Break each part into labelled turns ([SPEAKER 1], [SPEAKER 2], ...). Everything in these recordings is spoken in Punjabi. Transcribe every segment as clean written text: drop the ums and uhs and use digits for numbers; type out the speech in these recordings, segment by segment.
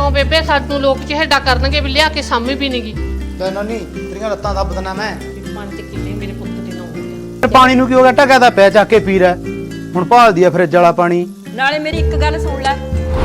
[SPEAKER 1] ਕਿਉਂ ਬੇਬੇ ਸਾਨੂੰ ਲੋਕ ਚਿਹੜਾ ਕਰਨਗੇ ਵੀ ਲਿਆ ਕੇ ਸਾਮੀ ਵੀ ਨਹੀਂਗੀ।
[SPEAKER 2] ਤੈਨੂੰ ਨਹੀਂ ਤੇਰੀਆਂ ਲੱਤਾਂ ਦੱਬਦਣਾ ਮੈਂ
[SPEAKER 1] 5 ਕਿੱਲੇ ਮੇਰੇ ਪੁੱਤ ਦੇ ਨਾਂ ਹੋ ਗਿਆ।
[SPEAKER 2] ਪਾਣੀ ਨੂੰ ਕੀ ਹੋ ਗਿਆ? ਟਕਾ ਦਾ ਪੈ ਚੱਕ ਕੇ ਪੀ ਰਿਹਾ ਹੁਣ ਭਾਲਦੀ ਆ ਫਰਿੱਜ ਵਾਲਾ ਪਾਣੀ।
[SPEAKER 3] ਨਾਲੇ ਮੇਰੀ ਇੱਕ ਗੱਲ ਸੁਣ ਲੈ,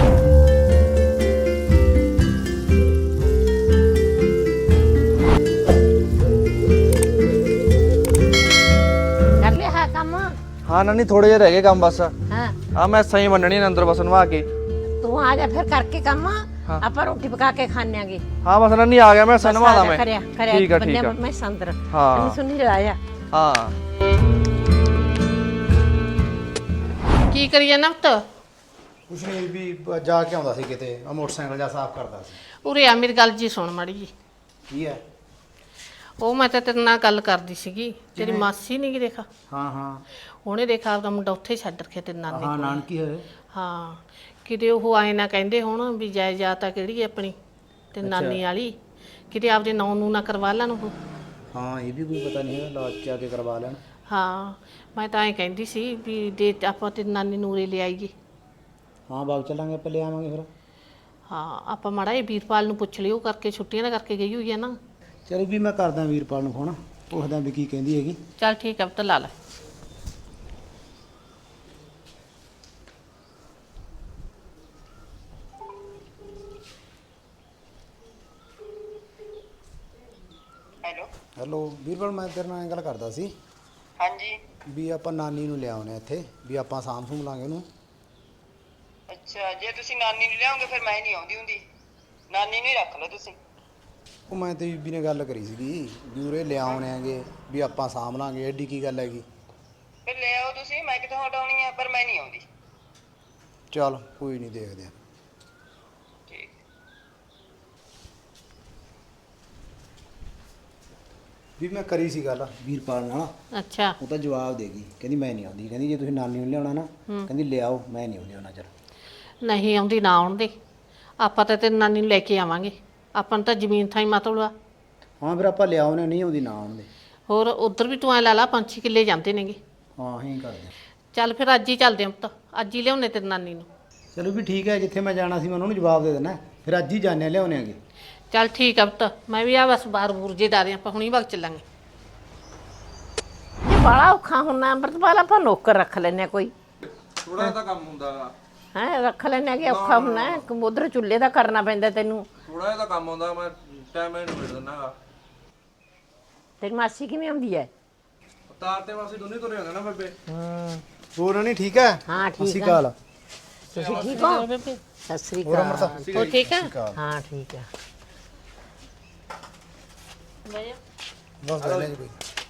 [SPEAKER 4] ਕਰ ਲਿਆ ਹੈ ਕੰਮ?
[SPEAKER 5] ਹਾਂ ਨਾਨੀ ਥੋੜੇ ਜਿਹੇ ਰਹਿ ਗਏ ਕੰਮ ਬਸ।
[SPEAKER 4] ਹਾਂ
[SPEAKER 5] ਆ ਮੈਂ ਸਹੀ ਮੰਨਣੀ ਨੇ ਅੰਦਰ ਬਸ ਨਵਾ ਕੇ।
[SPEAKER 4] ਤੂੰ ਆ ਜਾ ਫਿਰ ਕਰਕੇ ਕੰਮ,
[SPEAKER 5] ਹਾਂ।
[SPEAKER 4] ਆਪਾਂ ਰੋਟੀ ਪਕਾ ਕੇ ਖਾਣਾਂਗੇ।
[SPEAKER 5] ਹਾਂ ਬਸ ਨਾਨੀ ਆ ਗਿਆ ਮੈਂ ਸਨਵਾ ਦਾ ਮੈਂ।
[SPEAKER 4] ਕਰਿਆ
[SPEAKER 5] ਠੀਕ ਆ ਠੀਕ ਆ।
[SPEAKER 4] ਮੈਂ ਸੰਦਰ
[SPEAKER 5] ਹਾਂ।
[SPEAKER 4] ਸੁਣੀ ਲਾਇਆ।
[SPEAKER 5] ਹਾਂ
[SPEAKER 1] ਕੀ ਕਰੀਏ ਨਵਤ?
[SPEAKER 2] ਕੁਛ ਨਹੀਂ ਵੀ ਜਾ ਕੇ ਆਉਂਦਾ ਸੀ ਕਿਤੇ, ਆ ਮੋਟਰਸਾਈਕਲ ਜਾ ਸਾਫ਼ ਕਰਦਾ ਸੀ।
[SPEAKER 1] ਉਰੇ ਆ ਮੇਰੀ ਗੱਲ ਜੀ ਸੁਣ ਮਾੜੀ ਜੀ।
[SPEAKER 2] ਕੀ ਹੈ?
[SPEAKER 1] ਉਹ ਮੈਂ ਤਾਂ ਤੇਰੇ ਨਾਲ ਗੱਲ ਕਰਦੀ ਸੀਗੀ, ਤੇਰੀ ਮਾਸੀ ਨਹੀਂ ਗੀ ਦੇਖਾ,
[SPEAKER 2] ਹਾਂ ਹਾਂ
[SPEAKER 1] ਉਹਨੇ ਦੇਖਾ ਆਪਦਾ ਮੁੰਡਾ ਉੱਥੇ ਛੱਡ ਰੱਖਿਆ ਤੇ ਨਾਨੇ
[SPEAKER 2] ਹਾਂ
[SPEAKER 1] ਕੋਲ।
[SPEAKER 2] ਨਾਨਕੀ ਹੋਏ।
[SPEAKER 1] ਹਾਂ ਕਿਤੇ ਉਹ ਆਏ ਨਾ ਕਹਿੰਦੇ ਹੁਣ ਵੀ ਜਾਇਦਾਦ ਆ ਕਿਹੜੀ ਹੈ ਆਪਣੀ ਤੇ ਨਾਨੀ ਵਾਲੀ, ਕਿਤੇ ਆਪਦੇ ਨਾਂ ਨੂੰ ਨਾ ਕਰਵਾ ਲੈਣ ਉਹ।
[SPEAKER 2] ਹਾਂ ਇਹ ਵੀ ਕੋਈ ਪਤਾ ਨਹੀਂ ਹੈ, ਲਾਜ ਚ ਆ ਕੇ ਕਰਵਾ ਲੈਣ।
[SPEAKER 1] ਹਾਂ ਮੈਂ ਤਾਂ ਐਂ ਕਹਿੰਦੀ ਸੀ ਵੀ ਦੇ ਆਪਾਂ ਤੇ ਨਾਨੀ ਨੂਰੇ ਲੈ ਆਈਏ।
[SPEAKER 2] ਹਾਂ ਬਾਗ ਚੱਲਾਂਗੇ, ਆਪਾਂ ਲੈ ਆਵਾਂਗੇ ਫਿਰ।
[SPEAKER 1] ਹਾਂ ਆਪਾਂ ਮਾੜਾ ਇਹ ਵੀਰਪਾਲ ਨੂੰ ਪੁੱਛ ਲਿਓ, ਕਰਕੇ ਛੁੱਟੀਆਂ ਦਾ ਕਰਕੇ ਗਈ ਹੋਈ ਹੈ ਨਾ।
[SPEAKER 2] ਚਲੋ ਵੀ ਮੈਂ ਕਰਦਾ ਵੀਰਪਾਲ ਨੂੰ ਫੋਨ, ਪੁੱਛਦਾ ਵੀ ਕੀ ਕਹਿੰਦੀ ਹੈਗੀ।
[SPEAKER 1] ਚੱਲ ਠੀਕ ਹੈ ਪੁੱਤ ਲਾ ਲੈ।
[SPEAKER 6] ਹੈਲੋ
[SPEAKER 2] ਹੈਲੋ ਵੀਰਪਾਲ, ਮੈਂ ਤੇਰੇ ਨਾਲ ਇਹ ਗੱਲ ਕਰਦਾ ਸੀ
[SPEAKER 6] ਹਾਂਜੀ।
[SPEAKER 2] ਵੀ ਆਪਾਂ ਨਾਨੀ ਨੂੰ ਲਿਆਉਣੇ ਇੱਥੇ, ਵੀ ਆਪਾਂ ਸਾਂਭ ਸੂਮ ਲਾਂਗੇ ਉਹਨੂੰ।
[SPEAKER 6] ਅੱਛਾ ਜੇ ਤੁਸੀਂ ਨਾਨੀ ਨੂੰ ਲਿਆਓਗੇ ਫਿਰ ਮੈਂ ਨਹੀਂ ਆਉਂਦੀ ਹੁੰਦੀ, ਨਾਨੀ ਨੂੰ ਹੀ ਰੱਖ ਲਓ ਤੁਸੀਂ।
[SPEAKER 2] ਉਹ ਮੈਂ ਤੇ ਬੀਬੀ ਨੇ ਗੱਲ ਕਰੀ ਸੀਗੀ ਵੀ ਉਰੇ ਲਿਆਉਣੇ ਆਂਗੇ, ਵੀ ਆਪਾਂ ਸਾਂਭ ਲਾਂਗੇ, ਐਡੀ ਕੀ ਗੱਲ ਹੈਗੀ।
[SPEAKER 6] ਫਿਰ ਲੈ ਆਓ ਤੁਸੀਂ, ਮੈਂ ਕਿੱਥੋਂ ਹਟਾਉਣੀ ਆ, ਪਰ ਮੈਂ ਨਹੀਂ ਆਉਂਦੀ।
[SPEAKER 2] ਚੱਲ ਕੋਈ ਨਹੀਂ, ਦੇਖਦੇ ਆ।
[SPEAKER 6] ਠੀਕ।
[SPEAKER 2] ਵੀ ਮੈਂ ਕਰੀ ਸੀ ਗੱਲ ਵੀਰਪਾਲ ਨਾਲ,
[SPEAKER 1] ਅੱਛਾ
[SPEAKER 2] ਉਹ ਤਾਂ ਜਵਾਬ ਦੇਗੀ, ਕਹਿੰਦੀ ਮੈਂ ਨਹੀਂ ਆਉਂਦੀ, ਕਹਿੰਦੀ ਜੇ ਤੁਸੀਂ ਨਾਨੀ ਨੂੰ ਲਿਆਉਣਾ ਨਾ ਕਹਿੰਦੀ ਲਿਆਓ, ਮੈਂ ਨਹੀਂ ਆਉਂਦੀ ਉਹਨਾਂ ਚਿਰ।
[SPEAKER 1] ਨਹੀਂ ਆਉਂਦੀ ਨਾ ਆਉਣ ਦੇ, ਆਪਾਂ ਤਾਂ ਤੇਰੀ ਨਾਨੀ ਨੂੰ ਲੈ ਕੇ ਆਵਾਂਗੇ, ਆਪਾਂ ਨੂੰ ਤਾਂ ਜ਼ਮੀਨ ਥਾਂ ਹੀ ਮਤਲਬ ਆ।
[SPEAKER 2] ਹਾਂ ਫਿਰ ਆਪਾਂ ਲਿਆਉਣੇ, ਨਹੀਂ ਆਉਂਦੀ ਨਾ ਆਉਣ ਦੇ।
[SPEAKER 1] ਹੋਰ ਉਧਰ ਵੀ ਤੂੰ ਐ ਲਾ ਲਾ 5-6 ਕਿੱਲੇ ਜਾਂਦੇ ਨੇਗੇ।
[SPEAKER 2] ਹਾਂ ਅਸੀਂ ਕਰਦੇ।
[SPEAKER 1] ਚੱਲ ਫਿਰ ਅੱਜ ਹੀ ਚੱਲਦੇ ਹਾਂ ਪੁੱਤ, ਅੱਜ ਹੀ ਲਿਆਉਣੇ ਤੇਰੀ ਨਾਨੀ ਨੂੰ।
[SPEAKER 2] ਚਲੋ ਵੀ ਠੀਕ ਹੈ, ਜਿੱਥੇ ਮੈਂ ਜਾਣਾ ਸੀ ਮੈਂ ਉਹਨਾਂ ਨੂੰ ਜਵਾਬ ਦੇ ਦੇਣਾ, ਫਿਰ ਅੱਜ ਹੀ ਜਾਣੇ ਲਿਆਉਣੇ ਆਗੇ।
[SPEAKER 1] ਚੱਲ ਠੀਕ ਆ ਪੁੱਤ, ਮੈਂ ਵੀ ਆ ਬਸ ਬਾਹਰ ਬੂਰ ਜੇ ਡਾਰੇ ਆਪਾਂ ਹੁਣੀ ਵਗ ਚੱਲਾਂਗੇ।
[SPEAKER 4] ਇਹ ਬੜਾ ਔਖਾ ਹੁੰਦਾ ਅੰਮ੍ਰਿਤਪਾਲ, ਆਪਾਂ ਨੌਕਰ ਰੱਖ ਲੈਨੇ ਕੋਈ।
[SPEAKER 5] ਥੋੜਾ ਤਾਂ ਕੰਮ ਹੁੰਦਾ
[SPEAKER 4] ਹੈ ਰੱਖ ਲੈਨੇ ਕਿ ਔਖਾ ਹੁੰਦਾ, ਉਧਰ ਚੁੱਲ੍ਹੇ ਦਾ ਕਰਨਾ ਪੈਂਦਾ ਤੈਨੂੰ।
[SPEAKER 5] ਥੋੜਾ ਜਿਹਾ ਤਾਂ ਕੰਮ ਹੁੰਦਾ, ਮੈਂ ਟਾਈਮ ਨਹੀਂ ਮਿਲ ਦਿੰਦਾ।
[SPEAKER 4] ਤੇਰੀ ਮਾਸੀ ਕਿਵੇਂ ਆਉਂਦੀ ਹੈ?
[SPEAKER 5] ਤਾਰ ਤੇ ਵਾਸੀ ਦੋਨੇ ਤੁਰੇ ਹੁੰਦੇ ਨਾ ਬੇਬੇ।
[SPEAKER 2] ਹੋਰ ਨਹੀਂ ਠੀਕ ਹੈ?
[SPEAKER 4] ਹਾਂ ਠੀਕ
[SPEAKER 2] ਅਸੀਂ
[SPEAKER 4] ਹੈ।
[SPEAKER 2] ਕਾਲ
[SPEAKER 4] ਤੁਸੀਂ ਠੀਕ ਹੋ? ਸਤਿ ਸ੍ਰੀ
[SPEAKER 2] ਹੋਰ
[SPEAKER 4] ਅਕਾਲ।
[SPEAKER 2] ਅੰਮ੍ਰਿਤਾ
[SPEAKER 1] ਹੋਰ ਠੀਕ ਆ?
[SPEAKER 4] ਹਾਂ ਠੀਕ ਹੈ।
[SPEAKER 2] ਬਸ ਬੈਠੇ ਜੀ ਕੋਈ।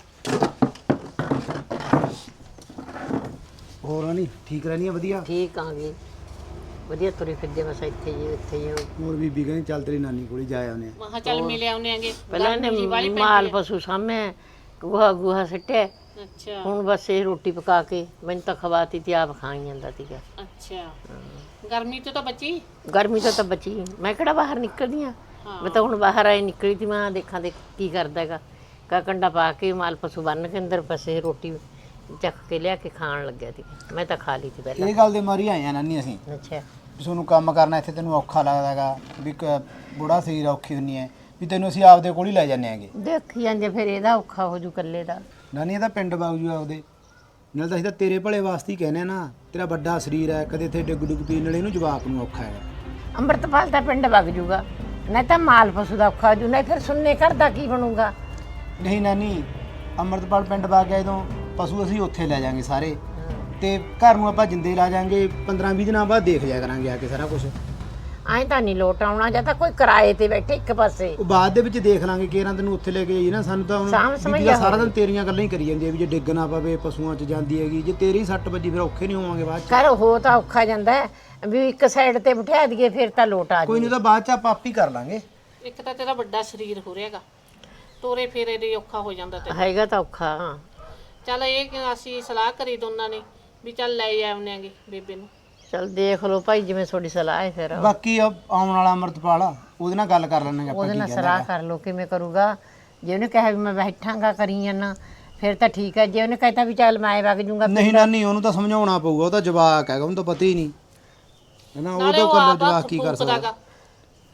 [SPEAKER 2] ਹੋਰ ਨਹੀਂ ਠੀਕ ਰਹਿਣੀ ਆ? ਵਧੀਆ।
[SPEAKER 4] ਠੀਕ ਆ ਗਈ, ਵਧੀਆ ਤੁਰੇ ਫਿਰਦੇ ਬਸ ਇੱਥੇ ਜੀ ਇੱਥੇ ਜੀ।
[SPEAKER 2] ਹੋਰ ਬੀਬੀ ਕਹਿੰਦੀ ਚੱਲ ਤੇਰੀ ਨਾਨੀ ਕੋਲ ਹੀ ਜਾ ਆਉਨੇ ਆ।
[SPEAKER 1] ਮਹਾ ਚੱਲ ਮਿਲ ਆਉਣੇ ਆਂਗੇ।
[SPEAKER 4] ਪਹਿਲਾਂ ਇਹਨੇ ਮਾਲ ਪਸ਼ੂ ਸਾਹਮਣੇ ਗੂਹਾ ਸਿੱਟਿਆ,
[SPEAKER 1] ਅੱਛਾ
[SPEAKER 4] ਹੁਣ ਬਸ ਇਹ ਰੋਟੀ ਪਕਾ ਕੇ ਮੈਨੂੰ ਤਾਂ ਖਵਾਤੀ ਤੇ ਆਪ ਖਾਈ ਜਾਂਦਾ ਸੀਗਾ।
[SPEAKER 1] ਅੱਛਾ ਗਰਮੀ ਤੋਂ ਤਾਂ ਬਚੀ।
[SPEAKER 4] ਗਰਮੀ ਤੋਂ ਤਾਂ ਬਚੀ, ਮੈਂ ਕਿਹੜਾ ਬਾਹਰ ਨਿਕਲਦੀ ਆ, ਮੈਂ ਤਾਂ ਹੁਣ ਬਾਹਰ ਆਏ ਨਿਕਲੀ ਤੀ, ਮੈਂ ਦੇਖਾਂ ਦੇ ਕੀ ਕਰਦਾ ਹੈਗਾ। ਕੰਡਾ ਪਾ ਕੇ ਮਾਲ ਪਸ਼ੂ ਬੰਨ ਕੇ ਅੰਦਰ ਬਸ ਇਹ ਰੋਟੀ ਚੱਕ ਕੇ ਲਿਆ ਕੇ ਖਾਣ ਲੱਗਿਆ ਸੀ, ਮੈਂ ਤਾਂ ਖਾ ਲਈ ਸੀ ਪਹਿਲਾਂ।
[SPEAKER 2] ਇਹ ਗੱਲ ਦੇ ਮਾਰੀ ਆਏ ਆ ਨਾਨੀ ਅਸੀਂ,
[SPEAKER 4] ਅੱਛਾ
[SPEAKER 2] ਵੀ ਤੁਹਾਨੂੰ ਕੰਮ ਕਰਨਾ ਇੱਥੇ ਤੈਨੂੰ ਔਖਾ ਲੱਗਦਾ ਹੈਗਾ, ਵੀ ਬੁੜਾ ਸਰੀਰ ਔਖੀ ਹੁੰਨੀ ਹੈ, ਵੀ ਤੈਨੂੰ ਅਸੀਂ ਆਪਦੇ ਕੋਲ ਹੀ ਲੈ ਜਾਂਦੇ ਆਂਗੇ।
[SPEAKER 4] ਦੇਖੀ ਜਾਂਦੇ ਫਿਰ ਇਹਦਾ ਔਖਾ ਹੋ ਜੂ ਇਕੱਲੇ ਦਾ।
[SPEAKER 2] ਨਾਨੀ ਇਹਦਾ ਪਿੰਡ ਬਾਗ ਜੂ ਆਪਦੇ ਨਾਲ, ਤਾਂ ਅਸੀਂ ਤਾਂ ਤੇਰੇ ਭਲੇ ਵਾਸਤੇ ਹੀ ਕਹਿੰਦੇ ਆ ਨਾ, ਤੇਰਾ ਵੱਡਾ ਸਰੀਰ ਹੈ, ਕਦੇ ਇੱਥੇ ਡਿੱਗ ਡੁੱਗ ਪੀਣ ਨਾਲ ਇਹਨੂੰ ਜਵਾਕ ਨੂੰ ਔਖਾ ਹੈਗਾ।
[SPEAKER 4] ਅੰਮ੍ਰਿਤਪਾਲ ਦਾ ਪਿੰਡ ਵਗ ਜੂਗਾ, ਨਹੀਂ ਤਾਂ ਮਾਲ ਪਸ਼ੂ ਦਾ ਔਖਾ ਹੋ ਜੂ, ਨਹੀਂ ਫਿਰ ਸੁਣਨੇ ਘਰ ਦਾ ਕੀ ਬਣੂਗਾ।
[SPEAKER 2] ਨਹੀਂ ਨਾਨੀ, ਅੰਮ੍ਰਿਤਪਾਲ ਪਿੰਡ ਵਗ ਗਿਆ ਜਦੋਂ ਪਸ਼ੂ ਅਸੀਂ ਉੱਥੇ ਲੈ ਜਾਾਂਗੇ ਸਾਰੇ, ਤੇ ਘਰ ਨੂੰ ਆਪਾਂ ਜਿੰਦੇ ਲਾ ਜਾਾਂਗੇ, 15-20 ਦਿਨਾਂ ਬਾਅਦ ਦੇਖ ਜਾਇਆ ਕਰਾਂਗੇ ਆ ਕੇ ਸਾਰਾ ਕੁਝ।
[SPEAKER 4] ਐਂ ਤਾਂ ਨਹੀਂ ਲੋਟ ਆਉਣਾ, ਜਾਂ ਤਾਂ ਕੋਈ ਕਿਰਾਏ ਤੇ ਬੈਠੇ ਇੱਕ ਪਾਸੇ।
[SPEAKER 2] ਉਹ ਬਾਅਦ ਦੇ ਵਿੱਚ ਦੇਖ ਲਾਂਗੇ, ਕਿਹਨਾਂ ਤੈਨੂੰ ਉੱਥੇ ਲੈ ਕੇ ਜਾਈਏ ਨਾ, ਸਾਨੂੰ ਤਾਂ ਹੁਣ ਬੀਬੀ ਦਾ ਸਾਰਾ ਦਿਨ ਤੇਰੀਆਂ ਗੱਲਾਂ ਹੀ ਕਰੀ ਜਾਂਦੀ ਹੈ ਵੀ ਜੇ ਡਿੱਗ ਨਾ ਪਵੇ ਪਸ਼ੂਆਂ 'ਚ ਜਾਂਦੀ ਹੈਗੀ, ਜੇ ਤੇਰੀ ਸੱਟ ਵੱਜੀ ਫਿਰ ਔਖੇ ਨਹੀਂ ਹੋਵਾਂਗੇ ਬਾਅਦ 'ਚ।
[SPEAKER 4] ਕਰ ਹੋ ਤਾਂ ਔਖਾ ਜਾਂਦਾ ਹੈ, ਵੀ ਇੱਕ ਸਾਈਡ ਤੇ ਬਿਠਾ ਦਈਏ ਫਿਰ ਤਾਂ ਲੋਟ ਆ
[SPEAKER 2] ਕੋਈ ਨਹੀਂ, ਤਾਂ ਬਾਅਦ 'ਚ ਆਪਾਂ ਆਪ ਹੀ ਕਰ ਲਾਂਗੇ।
[SPEAKER 1] ਇੱਕ ਤਾਂ ਤੇਰਾ ਵੱਡਾ ਸਰੀਰ ਹੋ ਰਿਹਾਗਾ, ਤੋਰੇ ਫੇਰੇ ਦੇ ਔਖਾ ਹੋ ਜਾਂਦਾ ਤੇ
[SPEAKER 4] ਹੈਗਾ ਤਾਂ ਔਖਾ।
[SPEAKER 1] ਚੱਲ ਇਹ ਕਿ ਅਸੀਂ ਸਲਾਹ ਕਰੀ ਦੋਨਾਂ ਨੇ ਵੀ ਚੱਲ ਲੈ ਆਉਣੇ ਆਂਗੇ ਬੇਬੇ ਨੂੰ।
[SPEAKER 4] ਚਲ ਦੇਖ ਲਓ ਭਾਈ ਜਿਵੇਂ ਤੁਹਾਡੀ ਸਲਾਹ ਹੈ ਫਿਰ।
[SPEAKER 2] ਬਾਕੀ ਆਉਣ ਵਾਲਾ ਅੰਮ੍ਰਿਤਪਾਲ ਉਹਦੇ ਨਾਲ ਗੱਲ ਕਰ ਲੈਣਾਂਗੇ ਆਪਾਂ,
[SPEAKER 4] ਉਹਦੇ ਨਾਲ
[SPEAKER 2] ਕੀ
[SPEAKER 4] ਸਲਾਹ ਕਰ ਲਓ ਕਿਵੇਂ ਕਰੂਗਾ। ਜੇ ਉਹਨੇ ਕਿਹਾ ਵੀ ਮੈਂ ਬੈਠਾਂਗਾ ਕਰੀ ਜਾਨਾ ਫਿਰ ਤਾਂ ਠੀਕ ਹੈ, ਜੇ ਉਹਨੇ ਕਹਿਤਾ ਵੀ ਚੱਲ ਮੈਂ ਵਗ ਜੂੰਗਾ।
[SPEAKER 2] ਨਹੀਂ ਨਾਨੀ, ਉਹਨੂੰ ਤਾਂ ਸਮਝਾਉਣਾ ਪਊਗਾ, ਉਹ ਤਾਂ ਜਵਾਕ ਹੈਗਾ, ਉਹਨੂੰ ਤਾਂ ਪਤਾ ਹੀ ਨਹੀਂ ਹੈ ਨਾ, ਉਹਦਾ ਕੱਲਾ ਜਵਾਕ ਕੀ ਕਰ ਸਕਦਾ।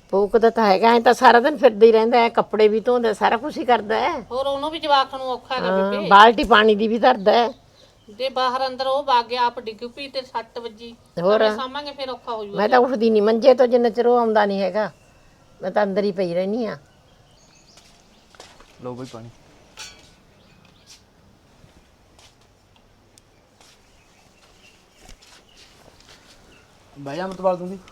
[SPEAKER 4] ਭੂਕਦਾ ਤਾਂ ਹੈਗਾ, ਐ ਤਾਂ ਸਾਰਾ ਦਿਨ ਫਿਰਦਾ ਹੀ ਰਹਿੰਦਾ ਹੈ, ਕੱਪੜੇ ਵੀ ਧੋਂਦਾ, ਸਾਰਾ ਕੁਝ ਹੀ ਕਰਦਾ ਹੈ।
[SPEAKER 1] ਹੋਰ ਉਹਨੂੰ ਵੀ ਜਵਾਕ ਨੂੰ ਔਖਾ ਹੈਗਾ
[SPEAKER 4] ਹਾਂ,
[SPEAKER 1] ਬੇਬੇ।
[SPEAKER 4] ਬਾਲਟੀ ਪਾਣੀ ਦੀ ਵੀ ਧਰਦਾ ਹੈ।
[SPEAKER 1] ਜੇ ਬਾਹਰ ਅੰਦਰ ਉਹ ਵਗ ਗਿਆ ਆਪ ਡਿੱਗ ਪਈ ਤੇ 6 ਵਜੇ
[SPEAKER 4] ਹੋਰ
[SPEAKER 1] ਸਾਂਭਾਂਗੇ ਫਿਰ ਔਖਾ ਹੋ ਜਾਊਗਾ।
[SPEAKER 4] ਮੈਂ ਤਾਂ ਉੱਠਦੀ ਨਹੀਂ ਮੰਜੇ ਤੋਂ ਜਿੰਨਾ ਚਿਰ ਉਹ ਆਉਂਦਾ ਨਹੀਂ ਹੈਗਾ, ਮੈਂ ਤਾਂ ਅੰਦਰ ਹੀ ਪਈ ਰਹਿੰਦੀ ਆ।
[SPEAKER 5] ਲਓ ਬਈ ਪਾਣੀ।
[SPEAKER 2] ਬਹਿ ਜਾ ਅਮਰਤਪਾਲ ਤੂੰ ਵੀ।